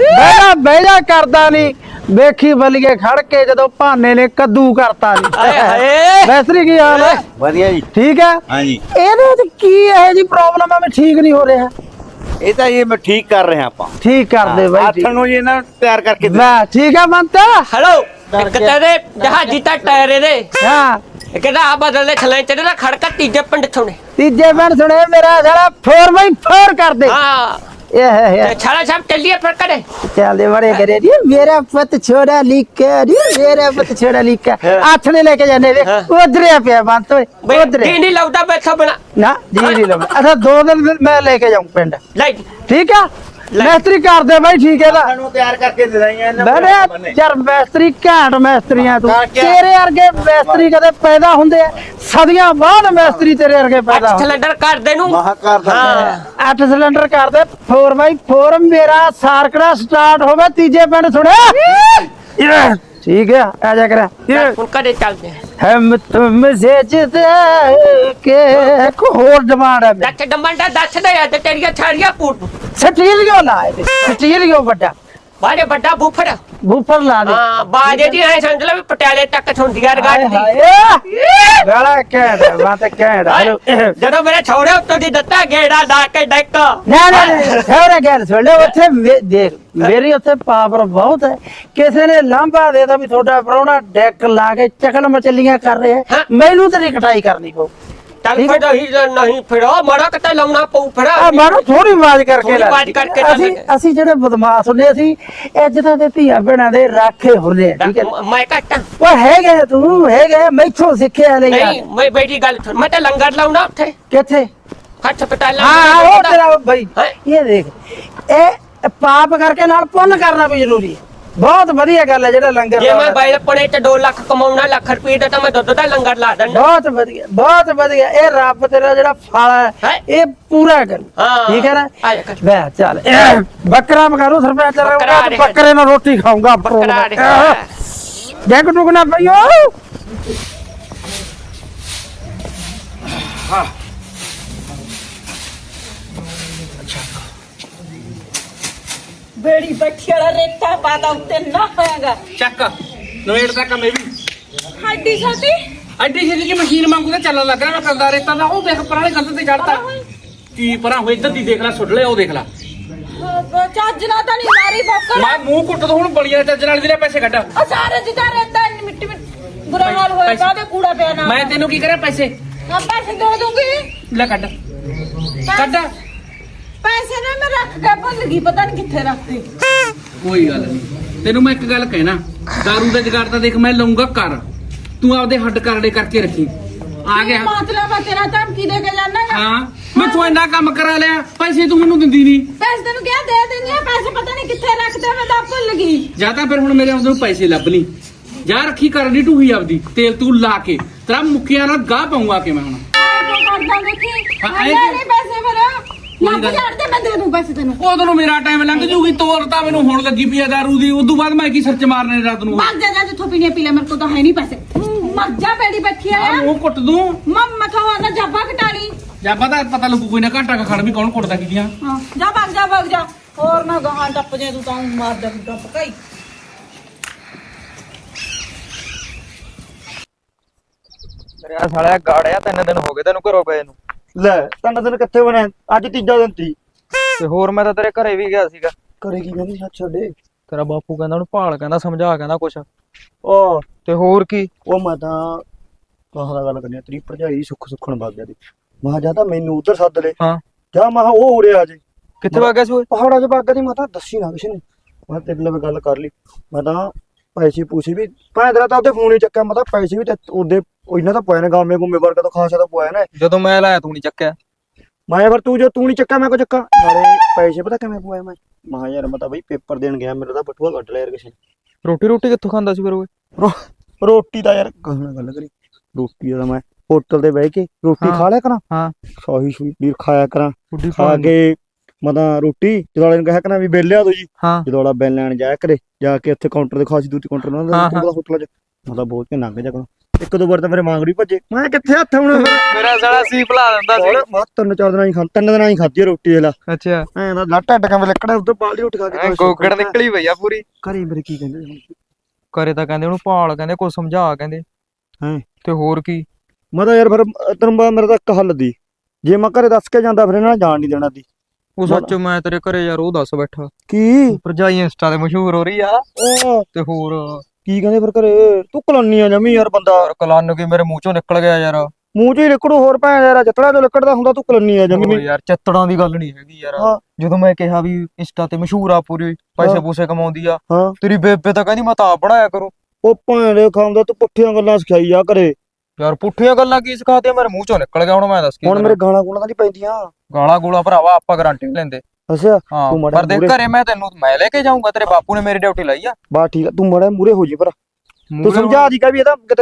[SPEAKER 2] ਬਹਿਣਾ ਕਰਦਾ ਨਹੀਂ ਵੇਖੀ ਬਲੀਏ ਖੜ ਕੇ ਜਦੋਂ ਭਾਨੇ ਨੇ ਕੱਦੂ ਕਰਤਾ ਨਹੀਂ ਮੈਸਤਰੀ ਕੀ ਹਾਲ ਹੈ
[SPEAKER 5] ਵਧੀਆ ਜੀ
[SPEAKER 2] ਠੀਕ ਹੈ
[SPEAKER 5] ਹਾਂਜੀ
[SPEAKER 2] ਇਹਦੇ ਚ ਕੀ ਇਹ ਜੀ ਪ੍ਰੋਬਲਮ ਆ ਮੈਂ ਠੀਕ ਨਹੀਂ ਹੋ ਰਿਹਾ
[SPEAKER 5] ਇਹ ਤਾਂ ਇਹ ਮੈਂ ਠੀਕ ਕਰ ਰਿਹਾ ਆਪਾਂ
[SPEAKER 2] ਠੀਕ ਕਰ ਦੇ ਬਾਈ
[SPEAKER 5] ਆਥਣ ਨੂੰ ਜੀ ਇਹਨਾਂ ਤਿਆਰ ਕਰਕੇ ਦੇ
[SPEAKER 2] ਮੈਂ ਠੀਕ ਹੈ ਬੰਤ
[SPEAKER 1] ਹੈਲੋ ਇੱਕ ਤੇਰੇ ਜਹਾਜੀ ਤਾਂ ਟਾਇਰ ਇਹਦੇ
[SPEAKER 2] ਹਾਂ
[SPEAKER 1] ਕਹਿੰਦਾ ਆ ਬਦਲੇ ਛਲੇ ਤੇ ਨਾ ਖੜਕਾ ਤੀਜੇ ਪਿੰਡ ਥੋਣੇ
[SPEAKER 2] ਤੀਜੇ ਪਿੰਡ ਸੁਣੇ ਮੇਰਾ ਸਾਲਾ 4x4 ਕਰ ਦੇ
[SPEAKER 1] ਹਾਂ
[SPEAKER 2] ਇਹ
[SPEAKER 1] ਛਾਲਾ ਸਾਹਿਬ ਚੱਲੀਏ ਫਿਰ ਕਰੇ
[SPEAKER 2] ਚੱਲਦੇ ਬੜੇ ਕਰੇ ਨੀ ਮੇਰਾ ਪੁੱਤ ਛੋੜਾ ਲੀਕਾ ਨੀ ਮੇਰਾ ਪੁੱਤ ਛੋੜਾ ਲੀਕਾ ਹੱਥ ਨੇ ਲੈ ਕੇ ਜਾਣੇ ਵੇ ਉਧਰਿਆ ਪਿਆ ਬੰਤ ਓਏ ਉਧਰ
[SPEAKER 1] ਜੀ ਨਹੀਂ ਲਾਉਦਾ ਬੈਠਾ ਬਣਾ
[SPEAKER 2] ਨਾ ਜੀ ਨਹੀਂ ਲਵਾਂ ਅੱਛਾ 2 ਦਿਨ ਮੈਂ ਲੈ ਕੇ ਜਾਉਂ ਪਿੰਡ
[SPEAKER 1] ਲੈ
[SPEAKER 2] ਠੀਕ ਆ ਮੈਸਤਰੀ ਕਰ ਦੇ ਬਾਈ ਠੀਕ ਹੈ ਦਾ
[SPEAKER 5] ਸਾਨੂੰ ਤਿਆਰ ਕਰਕੇ ਦੇ ਦਾਈਆਂ ਇਹਨਾਂ
[SPEAKER 2] ਬੜੇ ਯਾਰ ਮੈਸਤਰੀ ਘਾਟ ਮੈਸਤਰੀਆਂ ਤੂੰ ਤੇਰੇ ਵਰਗੇ ਮੈਸਤਰੀ ਕਦੇ ਪੈਦਾ ਹੁੰਦੇ ਆ ਸਦੀਆਂ ਬਾਅਦ ਮੈਸਤਰੀ ਤੇਰੇ ਵਰਗੇ ਪੈਦਾ ਹੁੰਦੇ
[SPEAKER 1] ਸਿਲੰਡਰ ਕਰ ਦੇ ਨੂੰ
[SPEAKER 5] ਮਹਾ ਕਰ ਦਿੰਦਾ
[SPEAKER 2] 8 ਸਿਲੰਡਰ ਕਰ ਦੇ 4x4 ਮੇਰਾ ਸਾਰਕੜਾ ਸਟਾਰਟ ਹੋਵੇ ਤੀਜੇ ਪਿੰਡ ਸੁਣਿਆ ਠੀਕ ਹੈ ਆ ਜਾ ਕਰ
[SPEAKER 1] ਹੁਣ ਕਦੇ ਚੱਲਦੇ
[SPEAKER 2] ਹਮ ਤੁਮ ਸੇ ਜਿਦਾ ਕੇ ਕੋ ਹੋਰ ਡਿਮਾਂਡ ਹੈ
[SPEAKER 1] ਦੱਸ ਡੰਬੰਡਾ ਦੱਸ ਦੇ ਆ ਤੇ ਤੇਰੀਆਂ ਛਾੜੀਆਂ ਕੂਟ
[SPEAKER 2] ਸਟੀਰੀਓ ਲਾਏ ਸਟੀਰੀਓ ਵੱਡਾ
[SPEAKER 1] ਬਾਰੇ ਵੱਡਾ ਬੂਫਰ
[SPEAKER 2] ਬੂਫਰ ਲਾ ਦੇ
[SPEAKER 1] ਹਾਂ ਬਾਜੇ ਦੀ ਐ ਸਮਝ ਲੈ ਵੀ ਪਟਿਆਲੇ ਤੱਕ ਸੁਣਦੀਆਂ ਰਗਾੜ ਦੀ
[SPEAKER 2] ਗਾਲਾ ਕਹਿ ਬਾਤ ਕਹਿ
[SPEAKER 1] ਜਦੋਂ ਮੇਰੇ ਛੋੜੇ ਉੱਤੋਂ ਦੀ ਦਿੱਤਾ ਗੇੜਾ ਲਾ ਕੇ ਡੈਕ
[SPEAKER 2] ਨਾ ਨਾ ਹੋਰ ਗੱਲ ਸੁਣ ਲੈ ਉੱਥੇ ਦੇਖ ਮੇਰੀ ਉੱਥੇ ਪਾਵਰ ਬਹੁਤ ਹੈ ਕਿਸੇ ਨੇ ਲਾਂਭਾ ਦੇਦਾ ਵੀ ਤੁਹਾਡਾ ਪ੍ਰਾਹੁਣਾ ਡੈਕ ਲਾ ਕੇ ਚਕਲ ਮਚਲੀਆਂ ਕਰ ਰਿਹਾ ਮੈਨੂੰ ਤੇ ਕਟਾਈ ਕਰਨੀ ਪਊ
[SPEAKER 1] ਚੱਲ ਫਿਰ ਨਹੀਂ ਫਿਰੋ ਮੜਾ ਕਿਤੇ ਲਾਉਣਾ ਪਊ ਫਿਰ
[SPEAKER 2] ਆ ਮਾਰੋ ਥੋੜੀ ਆਵਾਜ਼ ਕਰਕੇ
[SPEAKER 1] ਥੋੜੀ ਆਵਾਜ਼ ਕਰਕੇ
[SPEAKER 2] ਅਸੀਂ ਜਿਹੜੇ ਬਦਮਾਸ਼ ਹੁੰਦੇ ਅਸੀਂ ਇੱਜ਼ਤਾਂ ਦੇ ਧੀਆਂ ਭੈਣਾਂ ਦੇ ਰਾਖੇ ਹੁੰਦੇ ਆ ਠੀਕ ਹੈ
[SPEAKER 1] ਮੈਂ ਘੱਟਾਂ
[SPEAKER 2] ਉਹ ਹੈਗੇ ਤੂੰ ਹੈਗੇ ਮੈਥੋਂ ਸਿੱਖਿਆ ਲੈ
[SPEAKER 1] ਨਹੀਂ ਮੈਂ ਬੇਟੀ ਗੱਲ ਸੁਣ ਮੈਂ ਤਾਂ ਲੰਗਰ ਲਾਉਣਾ ਉੱਥੇ
[SPEAKER 2] ਕਿੱਥੇ
[SPEAKER 1] ਖੱਟ ਪਟਾਲਾ
[SPEAKER 2] ਹਾਂ ਉਹ ਤੇਰਾ ਭਾਈ ਇਹ ਦੇਖ ਇਹ ਪਾਪ ਕਰਕੇ ਨਾਲ ਪੁੰਨ ਕਰਨਾ ਵੀ ਜ਼ਰੂਰੀ ਹੈ ਬਹੁਤ ਵਧੀਆ ਗੱਲ ਹੈ ਜਿਹੜਾ ਲੰਗਰ
[SPEAKER 1] ਜੇ ਮੈਂ ਬਾਈ ਪਣੇ ਚ 2 ਲੱਖ ਕਮਾਉਣਾ ਲੱਖ ਰੁਪਏ ਦਾ ਤਾਂ ਮੈਂ ਦੁੱਧ ਦਾ ਲੰਗਰ ਲਾ ਦਿੰਦਾ
[SPEAKER 2] ਬਹੁਤ ਵਧੀਆ ਇਹ ਰੱਬ ਤੇਰਾ ਜਿਹੜਾ ਫਲ ਹੈ ਇਹ ਪੂਰਾ ਕਰ ਠੀਕ ਹੈ ਨਾ ਲੈ ਚੱਲ ਬੱਕਰਾ ਮਕਾਰੂ ਸਰਪੰਚ ਬੱਕਰੇ ਨਾਲ ਰੋਟੀ ਖਾਊਂਗਾ ਡੈਂਗ ਟੁਕਣਾ ਪਈਓ
[SPEAKER 4] ਹਾਂ
[SPEAKER 3] ਬੇੜੀ ਬੱਠੀ ਵਾਲਾ ਰੇਤਾ ਪਾਦਾ ਉੱਤੇ ਨਾ ਹੋਇਆਗਾ
[SPEAKER 4] ਚੱਕ ਨਵੇੜ ਦਾ ਕੰਮ ਇਹ ਵੀ
[SPEAKER 3] ਹੱਡੀ ਛਾਤੀ
[SPEAKER 4] ਐਡੀ ਛੇਤੀ ਕੀ ਮਸ਼ੀਨ ਵਾਂਗੂ ਤਾਂ ਚੱਲਣ ਲੱਗ ਰਿਹਾ ਮੈਂ ਕਰਦਾ ਰੇਤਾ ਦਾ ਉਹ ਦੇਖ ਪਰਾਲੇ ਕੰਧ ਤੇ ਚੜਦਾ ਕੀ ਪਰਾਂ ਹੋਏ ਇੱਧਰ ਦੀ ਦੇਖ ਲੈ ਸੁੱਟ ਲਿਆ ਉਹ ਦੇਖ ਲੈ
[SPEAKER 3] ਚੱਜ ਨਾਲ ਤਾਂ ਨਹੀਂ ਮਾਰੀ ਬੱਕਰ
[SPEAKER 4] ਮੈਂ ਮੂੰਹ ਕੁੱਟ ਦੋ ਹੁਣ ਬੜੀਆਂ ਚੱਜ ਨਾਲ ਦੇ ਪੈਸੇ ਕੱਢ
[SPEAKER 3] ਉਹ ਸਾਰੇ ਜਿੱਦਾਂ ਰੇਤਾ ਇੰਨੀ ਮਿੱਟੀ ਬੁਰਾ ਹਾਲ ਹੋਇਆ ਕਾਹਦੇ ਕੂੜਾ ਪਿਆ ਨਾ
[SPEAKER 4] ਮੈਂ ਤੈਨੂੰ ਕੀ ਕਰਾਂ ਪੈਸੇ
[SPEAKER 3] ਆ ਪੈਸੇ ਦੇ ਦੂੰਗੀ
[SPEAKER 4] ਲੈ ਕੱਢ ਕੱਢ
[SPEAKER 3] ਪੈਸੇ ਨੇ ਮੈਂ ਰੱਖ ਕੇ ਭੁੱਲ ਗਈ, ਪਤਾ ਨਹੀਂ ਕਿੱਥੇ ਰੱਖਤੇ।
[SPEAKER 4] ਕੋਈ ਗੱਲ ਨਹੀਂ, ਤੈਨੂੰ ਮੈਂ ਇੱਕ ਗੱਲ ਕਹਿਣਾ, ਦਾਰੂ ਦਾ ਜੁਗਾੜ ਤਾਂ ਦੇਖ ਮੈਂ ਲਊਂਗਾ ਕਰ, ਤੂੰ ਆਪਦੇ ਹੱਡ ਕਰੜੇ ਕਰਕੇ ਰੱਖੀ। ਆ ਗਿਆ
[SPEAKER 3] ਮਤਲਬ ਆ ਤੇਰਾ ਧਮਕੀ ਦੇ ਕੇ ਜਾਣਾ ਗਾ?
[SPEAKER 4] ਹਾਂ, ਮੈਂ ਤੂੰ ਇੰਨਾ ਕੰਮ ਕਰਾ ਲਿਆ, ਪੈਸੇ ਤੂੰ ਮੈਨੂੰ ਦਿੰਦੀ ਨਹੀਂ।
[SPEAKER 3] ਪੈਸੇ ਤੈਨੂੰ ਕਿਹਾ ਦੇ ਦਿੰਦੀ ਆ, ਪੈਸੇ ਪਤਾ ਨਹੀਂ ਕਿੱਥੇ ਰੱਖਦੇ, ਮੈਂ ਤਾਂ ਭੁੱਲ ਗਈ।
[SPEAKER 4] ਜਾਂ ਤਾਂ ਫਿਰ ਹੁਣ ਮੇਰੇ ਆਉਂਦੇ ਨੂੰ ਪੈਸੇ ਲੱਭ ਲਈ, ਜਾਂ ਰੱਖੀ ਕਰਨੀ ਢੂਹੀ ਆਪਦੀ ਤੇਲ ਤੂੰ ਲਾ ਕੇ, ਤੇਰਾ ਮੁੱਕਿਆ ਨਾਲ ਗਾਹ ਪਾਉਂਗਾ ਕਿ ਮੈਂ ਹੁਣ
[SPEAKER 3] ਆਏ ਕਰਦਾ ਦੇਖੀ,
[SPEAKER 4] ਹਾਂ,
[SPEAKER 3] ਆਏ ਨਹੀਂ ਪੈਸੇ ਫਿਰ ਲੱਭ ਜਾਣਦੇ, ਮੈਂ ਦੇ ਦੂੰ ਪੈਸੇ ਤੈਨੂੰ।
[SPEAKER 4] ਉਦੋਂ ਨੂੰ ਮੇਰਾ ਟਾਈਮ ਲੰਘ ਜੂਗੀ, ਤੋਰ ਤਾਂ ਮੈਨੂੰ ਹੁਣ ਲੱਗੀ ਪਈ ਆ ਦਾਰੂ ਦੀ, ਉਦੋਂ ਬਾਅਦ ਮੈਂ ਕੀ ਸਰਚ ਮਾਰਨੇ ਰਾਤ ਨੂੰ।
[SPEAKER 3] ਮਰ ਜਾ ਜਿੱਥੋਂ ਪੀਣੇ ਪੀ ਲੈ, ਮੇਰੇ ਕੋਲ ਤਾਂ ਹੈ ਨਹੀਂ ਪੈਸੇ। ਮਰ ਜਾ ਬੈੜੀ ਬੈਠੀ ਆ
[SPEAKER 4] ਉਹ ਕੁੱਟ ਦੂੰ
[SPEAKER 3] ਮੰਮਾ ਕਹੋ ਨਾ ਜਾਬਾ ਕਟਾਲੀ।
[SPEAKER 4] ਜਾਂ ਪਤਾ ਲੱਗੂ ਕੋਈ ਨਾ, ਘੰਟਾ ਖੜ ਵੀ ਕੌਣ ਕੁੱਟਦਾ ਕੀਆਂ।
[SPEAKER 3] ਹਾਂ ਜਾ ਭੱਗ ਜਾ ਹੋਰ ਨਾ ਗਾਹਾਂ ਟੱਪ ਜੇ, ਤੂੰ ਤਾਂ ਮਾਰ ਦੇ ਟੱਪ ਕਾਈ।
[SPEAKER 6] ਮੇਰਾ ਸਾਲਿਆ ਗਾੜਿਆ 3 ਦਿਨ ਹੋ ਗਏ ਤੈਨੂੰ ਘਰੋਂ ਗਏ ਨੂੰ।
[SPEAKER 2] ਲੈ ਤੈਨੂੰ ਦਿਨ ਕਿੱਥੇ ਬਣੇ, ਅੱਜ ਤੀਜਾ ਦਿਨ ਤੀ।
[SPEAKER 6] ਤੇ ਹੋਰ ਮੈਂ ਤਾਂ ਤੇਰੇ ਘਰੇ ਵੀ ਗਿਆ ਸੀਗਾ।
[SPEAKER 2] ਘਰੇ ਕੀ ਕਹਿੰਦੀ ਸੱਚ ਛੱਡੇ?
[SPEAKER 6] ਤੇਰਾ ਬਾਪੂ ਕਹਿੰਦਾ ਉਹਨੂੰ ਭਾਲ, ਕਹਿੰਦਾ ਸਮਝਾ, ਕਹਿੰਦਾ ਕੁਛ।
[SPEAKER 2] ਉਹ
[SPEAKER 6] ਤੇ ਹੋਰ ਕੀ,
[SPEAKER 2] ਉਹ ਮੈਂ ਤਾਂ ਕਹਾਂ ਗੱਲ ਕਰਨੀ ਆ, ਤੇਰੀ ਭਰਜਾਈ ਸੁੱਖਣ ਵਗ ਗਿਆ ਦੀ। ਮੈਂ ਜਾਂ ਤਾਂ ਮੈਨੂੰ ਉਧਰ ਸੱਦ ਲੈ,
[SPEAKER 6] ਹਾਂ
[SPEAKER 2] ਜਾਂ ਮੈਂ ਉਹ ਉੜਿਆ ਜੇ
[SPEAKER 6] ਕਿੱਥੇ ਵਗ ਗਿਆ ਸੀ ਓਏ?
[SPEAKER 2] ਪਹਾੜਾਂ 'ਚ ਵਗ ਗਿਆ ਦੀ। ਮੈਂ ਤਾਂ ਦੱਸੀ ਨਾ ਕਿਸੇ ਨੂੰ, ਮੈਂ ਤੇਰੇ ਨਾਲ ਗੱਲ ਕਰ ਲਈ। ਮੈਂ ਤਾਂ ਪੈਸੇ ਪੂਸੇ ਵੀ ਭਾਂ ਤੇਰਾ ਤਾਂ ਉਹਦੇ ਫੋਨ ਹੀ ਚੱਕਿਆ। ਮੈਂ ਤਾਂ ਪੈਸੇ ਵੀ ਤੇ ਉਹਦੇ ਇਹਨਾਂ ਤਾਂ ਪੋਇਆ ਨੇ, ਗਾਮੇ ਗੁੰਮੇ ਵਰਗਾ ਤਾਂ ਖਾਸਾ ਤਾਂ ਪੋਇਆ ਨੇ।
[SPEAKER 6] ਜਦੋਂ ਮੈਂ ਲਾਇਆ ਤੂੰ ਨਹੀਂ ਚੱਕਿਆ।
[SPEAKER 2] ਮੈਂ ਫਿਰ ਤੂੰ ਨਹੀਂ ਚੱਕਿਆ ਮੈਂ ਕੋ ਚੱਕਾਂ ਨਾਲੇ ਪੈਸੇ ਪਤਾ ਕਿਵੇਂ ਪੋਇਆ ਮੈਂ। ਮਹਾ ਯਾਰ ਮੈਂ ਤਾਂ ਬਈ ਪੇਪਰ ਦੇਣ ਗਿਆ, ਮੇਰਾ ਤਾਂ ਬਟੂਆ ਕੱਢ ਲਿਆ ਯਾਰ ਕਿਸੇ ਨੇ।
[SPEAKER 6] ਰੋਟੀ ਕਿੱਥੋਂ ਖਾਂਦਾ ਸੀ ਫਿਰ ਓਏ?
[SPEAKER 2] ਰੋਟੀ ਤਾਂ ਯਾਰ ਕਹਿਣਾ ਗੱਲ ਕਰੀ, ਰੋਟੀ ਦਾ ਮੈਂ ਹੋਟਲ ਤੇ ਬਹਿ ਕੇ ਰੋਟੀ ਖਾ ਲਿਆ ਕਰਾਂ।
[SPEAKER 6] ਹਾਂ
[SPEAKER 2] ਸ਼ਾਹੀ ਸ਼ੂਈ ਪਨੀਰ ਖਾਇਆ ਕਰਾਂ,
[SPEAKER 6] ਰੋਟੀ
[SPEAKER 2] ਖਾ ਕੇ ਮੈਂ ਤਾਂ ਰੋਟੀ ਜਦੋਂ ਵਾਲੇ ਨੂੰ ਕਹਿਆ ਕਰਾਂ ਵੀ ਬਿੱਲ ਲਿਆ ਦੋ ਜੀ।
[SPEAKER 6] ਹਾਂ
[SPEAKER 2] ਜਦੋਂ ਵਾਲਾ ਬਿੱਲ ਲੈਣ ਜਾਇਆ ਕਰੇ, ਜਾ ਕੇ ਉੱਥੇ ਕਾਊਂਟਰ ਦੇ ਖਾਸੀ ਦੂਤੀ ਕਾਊਂਟਰ ਨਾਲ ਹੋਟਲਾਂ 'ਚ ਮੈਂ ਤਾਂ ਬਹੁਤ ਕੇ ਲੰਘ ਜਾ ਕਰਾਂ। ਇੱਕ ਦੋ ਵਾਰ ਤਾਂ ਮੇਰੇ ਮਾਂਗੜੀ ਭੱਜੇ, ਮੈਂ ਕਿੱਥੇ ਹੱਥ ਹੁਣ।
[SPEAKER 6] ਮੇਰਾ ਸਾਲਾ ਸੀ ਭੁਲਾ ਦਿੰਦਾ ਸੀ।
[SPEAKER 2] ਮੈਂ 3-4 ਦਿਨਾਂ ਹੀ ਤਿੰਨ ਦਿਨਾਂ ਹੀ ਖਾਧੀ ਰੋਟੀ ਇਹਲਾ।
[SPEAKER 6] ਅੱਛਾ
[SPEAKER 2] ਐਂ ਦਾ ਲੱਟ ਢੱਡ ਕਿਵੇਂ ਲੱਕੜਾ ਉੱਧਰ ਬਾਲਦੀ ਉੱਠ ਖਾ ਕੇ
[SPEAKER 6] ਗੋਗੜ ਨਿਕਲੀ ਪਈ ਆ ਪੂਰੀ।
[SPEAKER 2] ਘਰੇ ਮੇਰੇ ਕੀ ਕਹਿੰਦੇ ਹੁਣ?
[SPEAKER 6] ਘਰੇ ਤਾਂ ਕਹਿੰਦੇ ਉਹਨੂੰ ਭਾਲ, ਕਹਿੰਦੇ ਕੁਛ ਸਮਝਾ, ਕਹਿੰਦੇ।
[SPEAKER 2] ਹੈਂ
[SPEAKER 6] ਤੇ ਹੋਰ ਕੀ,
[SPEAKER 2] ਮੈਂ ਤਾਂ ਯਾਰ ਫਿਰ ਤੈਨੂੰ ਪਤਾ ਮੇਰਾ ਤਾਂ ਇੱਕ ਹੱਲ ਦੀ, ਜੇ ਮੈਂ ਘਰੇ ਦੱਸ ਕੇ ਜਾਂਦਾ ਫਿਰ ਇਹਨਾਂ ਨੇ ਜਾਣ ਨਹੀਂ ਦੇਣਾ ਦੀ।
[SPEAKER 6] ਉਹ ਸੱਚ ਮੈਂ ਤੇਰੇ ਘਰੇ ਯਾਰ ਉਹ ਦੱਸ ਬੈਠਾ,
[SPEAKER 2] ਕੀ
[SPEAKER 6] ਭਰਜਾਈ ਇੰਸਟਾ ਤੇ ਮਸ਼ਹੂਰ ਹੋ ਰਹੀ ਆ।
[SPEAKER 2] ਉਹ
[SPEAKER 6] ਤੇ ਹੋਰ
[SPEAKER 2] ਕੀ ਕਹਿੰਦੇ ਫਿਰ ਘਰੇ? ਤੂੰ ਕਲਾਨੀ ਆ ਜਮੀ ਯਾਰ ਬੰਦਾ।
[SPEAKER 6] ਯਾਰ ਕਲੰਨ ਕੀ ਮੇਰੇ ਮੂੰਹ ਚੋਂ ਨਿਕਲ ਗਿਆ ਯਾਰ।
[SPEAKER 2] ਮੂੰਹ ਚ ਹੀ ਲਿਕੜੂ, ਹੋਰ ਭੈਣ ਯਾਰ ਜੱਤੜਾ ਜੋ ਲਿਕੜਦਾ ਹੁੰਦਾ, ਤੂੰ ਕਲਾਨੀ ਆ ਜਮੀ।
[SPEAKER 6] ਓ ਯਾਰ ਚੱਤੜਾਂ ਦੀ ਗੱਲ ਨਹੀਂ ਹੈਗੀ ਯਾਰ।
[SPEAKER 2] ਹਾਂ।
[SPEAKER 6] ਜਦੋਂ ਮੈਂ ਕਿਹਾ ਵੀ ਇੰਸਟਾ ਤੇ ਮਸ਼ਹੂਰ ਆ ਪੂਰੀ, ਪੈਸੇ
[SPEAKER 2] ਹਾਂ।
[SPEAKER 6] ਪੂਸੇ ਕਮਾਉਂਦੀ ਆ,
[SPEAKER 2] ਹਾਂ
[SPEAKER 6] ਤੇਰੀ ਬੇਬੇ ਤਾਂ ਕਹਿੰਦੀ ਮੈਂ ਤਾਂ ਆਪ ਬਣਾਇਆ ਕਰੂੰ।
[SPEAKER 2] ਉਹ ਭੈਣ ਖਾਂਦਾ, ਤੂੰ ਪੁੱਠੀਆਂ ਗੱਲਾਂ ਸਿਖਾਈ ਆ ਘਰੇ।
[SPEAKER 6] ਯਾਰ ਪੁੱਠੀਆਂ ਗੱਲਾਂ ਕੀ ਸਿਖਾਤੀਆਂ, ਮੇਰੇ ਮੂੰਹ ਚੋਂ ਨਿਕਲ ਗਿਆ। ਹੁਣ ਮੈਂ ਦੱਸ ਕੀ
[SPEAKER 2] ਹੁਣ ਮੇਰੇ ਗਾਲਾਂ ਗੂਲਾਂ ਤਾਂ ਨਹੀਂ ਪੈਂਦੀਆਂ।
[SPEAKER 6] ਗਾਲਾਂ ਗੂਲਾਂ ਭਰਾਵਾ ਆਪਾਂ ਗਾਰੰਟੀ ਨਹੀਂ ਲੈਂਦੇ।
[SPEAKER 2] ਅੱਛਾ
[SPEAKER 6] ਹਾਂ
[SPEAKER 2] ਤੂੰ ਮਾੜਾ
[SPEAKER 6] ਪਰ ਦੇਖ
[SPEAKER 2] ਮੂਹਰੇ-
[SPEAKER 6] ਘਰੇ ਮੈਂ ਲੈ ਕੇ ਜਾਊਂਗਾ, ਤੇਰੇ ਬਾਪੂ ਨੇ ਮੇਰੀ ਡਿਊਟੀ ਲਾਈ ਆ।
[SPEAKER 2] ਬਸ ਠੀਕ ਆ, ਤੂੰ ਮਾੜਾ ਮੂਰੇ ਹੋ ਜੀ ਪਰ ਤੂੰ
[SPEAKER 6] ਮੂਹਰੇ
[SPEAKER 2] ਸਮਝਾ ਦੀ ਕਾ ਵੀ ਇਹਦਾ ਕਿਤੇ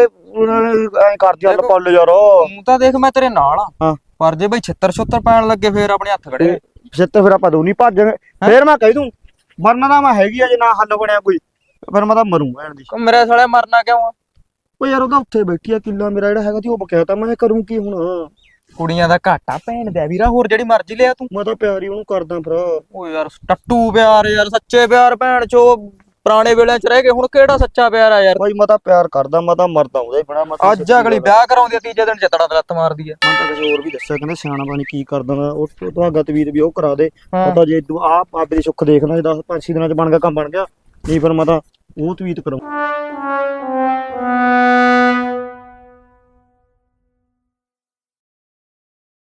[SPEAKER 2] ਐਂ ਕਰਦੀ ਹੱਲ ਪੱਲ ਯਾਰ।
[SPEAKER 6] ਤੂੰ ਤਾਂ ਦੇਖ ਮੈਂ ਤੇਰੇ ਨਾਲ ਆ,
[SPEAKER 2] ਹਾਂ।
[SPEAKER 6] ਪਰ ਜੇ ਬਈ ਛਿੱਤਰ ਪੈਣ ਲੱਗੇ ਫੇਰ ਆਪਣੇ ਹੱਥ ਖੜੇ।
[SPEAKER 2] ਛੇਤੇ ਫਿਰ ਆਪਾਂ ਦੋਨੀ ਭੱਜ ਜਾਵਾਂਗੇ। ਫੇਰ ਮੈਂ ਕਹਿ ਦੂੰ ਮਰਨਾ ਤਾਂ ਮੈਂ ਹੈਗੀ ਆ, ਜੇ ਨਾ ਹੱਲ ਬਣਿਆ ਕੋਈ ਫਿਰ ਮੈਂ ਤਾਂ ਮਰੂੰ ਭੈਣ ਦੀ।
[SPEAKER 6] ਮੇਰੇ ਸਾਲੇ ਮਰਨਾ ਕਿਉਂ ਆ?
[SPEAKER 2] ਉਹ ਯਾਰ ਉਹਦਾ ਉੱਥੇ ਬੈਠੀ ਆ, ਕਿੱਲਾ ਮੇਰਾ ਜਿਹੜਾ ਹੈਗਾ ਸੀ ਉਹ ਬਕਿਆ ਤਾਂ, ਮੈਂ ਕਰੂੰ ਕੀ ਹੁਣ?
[SPEAKER 6] ਕੁੜੀਆਂ ਦਾ ਘਾਟਾ ਭੈਣ ਦਾ ਵੀਰਾ, ਹੋਰ ਜਿਹੜੀ ਮਰਜ਼ੀ ਲਿਆ ਤੂੰ।
[SPEAKER 2] ਮੈਂ ਤਾਂ ਪਿਆਰ ਹੀ ਉਹਨੂੰ ਕਰਦਾ ਫਿਰ।
[SPEAKER 6] ਓ ਯਾਰ ਟੱਟੂ ਪਿਆਰ ਯਾਰ, ਸੱਚੇ ਪਿਆਰ ਭੈਣ ਚੋ ਪੁਰਾਣੇ ਵੇਲਿਆਂ ਚ ਰਹਿ ਗਏ, ਹੁਣ ਕਿਹੜਾ ਸੱਚਾ ਪਿਆਰ ਆ ਯਾਰ।
[SPEAKER 2] ਬਾਈ ਮੈਂ ਤਾਂ ਪਿਆਰ ਕਰਦਾ, ਮੈਂ ਤਾਂ ਮਰਦਾ ਉਹਦਾ ਹੀ ਬਣਾ। ਮੈਂ ਤਾਂ
[SPEAKER 6] ਅੱਜ ਅਗਲੀ ਵਿਆਹ ਕਰਾਉਂਦੀ ਆ, ਤੀਜੇ ਦਿਨ ਚਤੜਾ ਲੱਤ ਮਾਰਦੀ ਆ।
[SPEAKER 2] ਮੈਂ ਤਾਂ ਕਿਸੇ ਹੋਰ ਵੀ ਦੱਸਿਆ, ਕਹਿੰਦੇ ਸਿਆਣਾ ਬਾਣੀ ਕੀ ਕਰਦਾ ਮੈਂ ਉਹ ਤੁਹਾਡਾ ਤਵੀਤ ਵੀ ਉਹ ਕਰਾ ਦੇ।
[SPEAKER 6] ਹਾਂ।
[SPEAKER 2] ਪਤਾ ਜੇ ਤੂੰ ਆਪ ਆਪੇ ਦੀ ਸੁੱਖ ਦੇਖਣਾ, ਜੇ 10-5 ਦਿਨਾਂ ਚ ਬਣ ਗਿਆ ਕੰਮ ਬਣ ਗਿਆ, ਨਹੀਂ ਫਿਰ ਮੈਂ ਤਾਂ ਉਹ ਤਵੀਤ ਕਰਾਂ।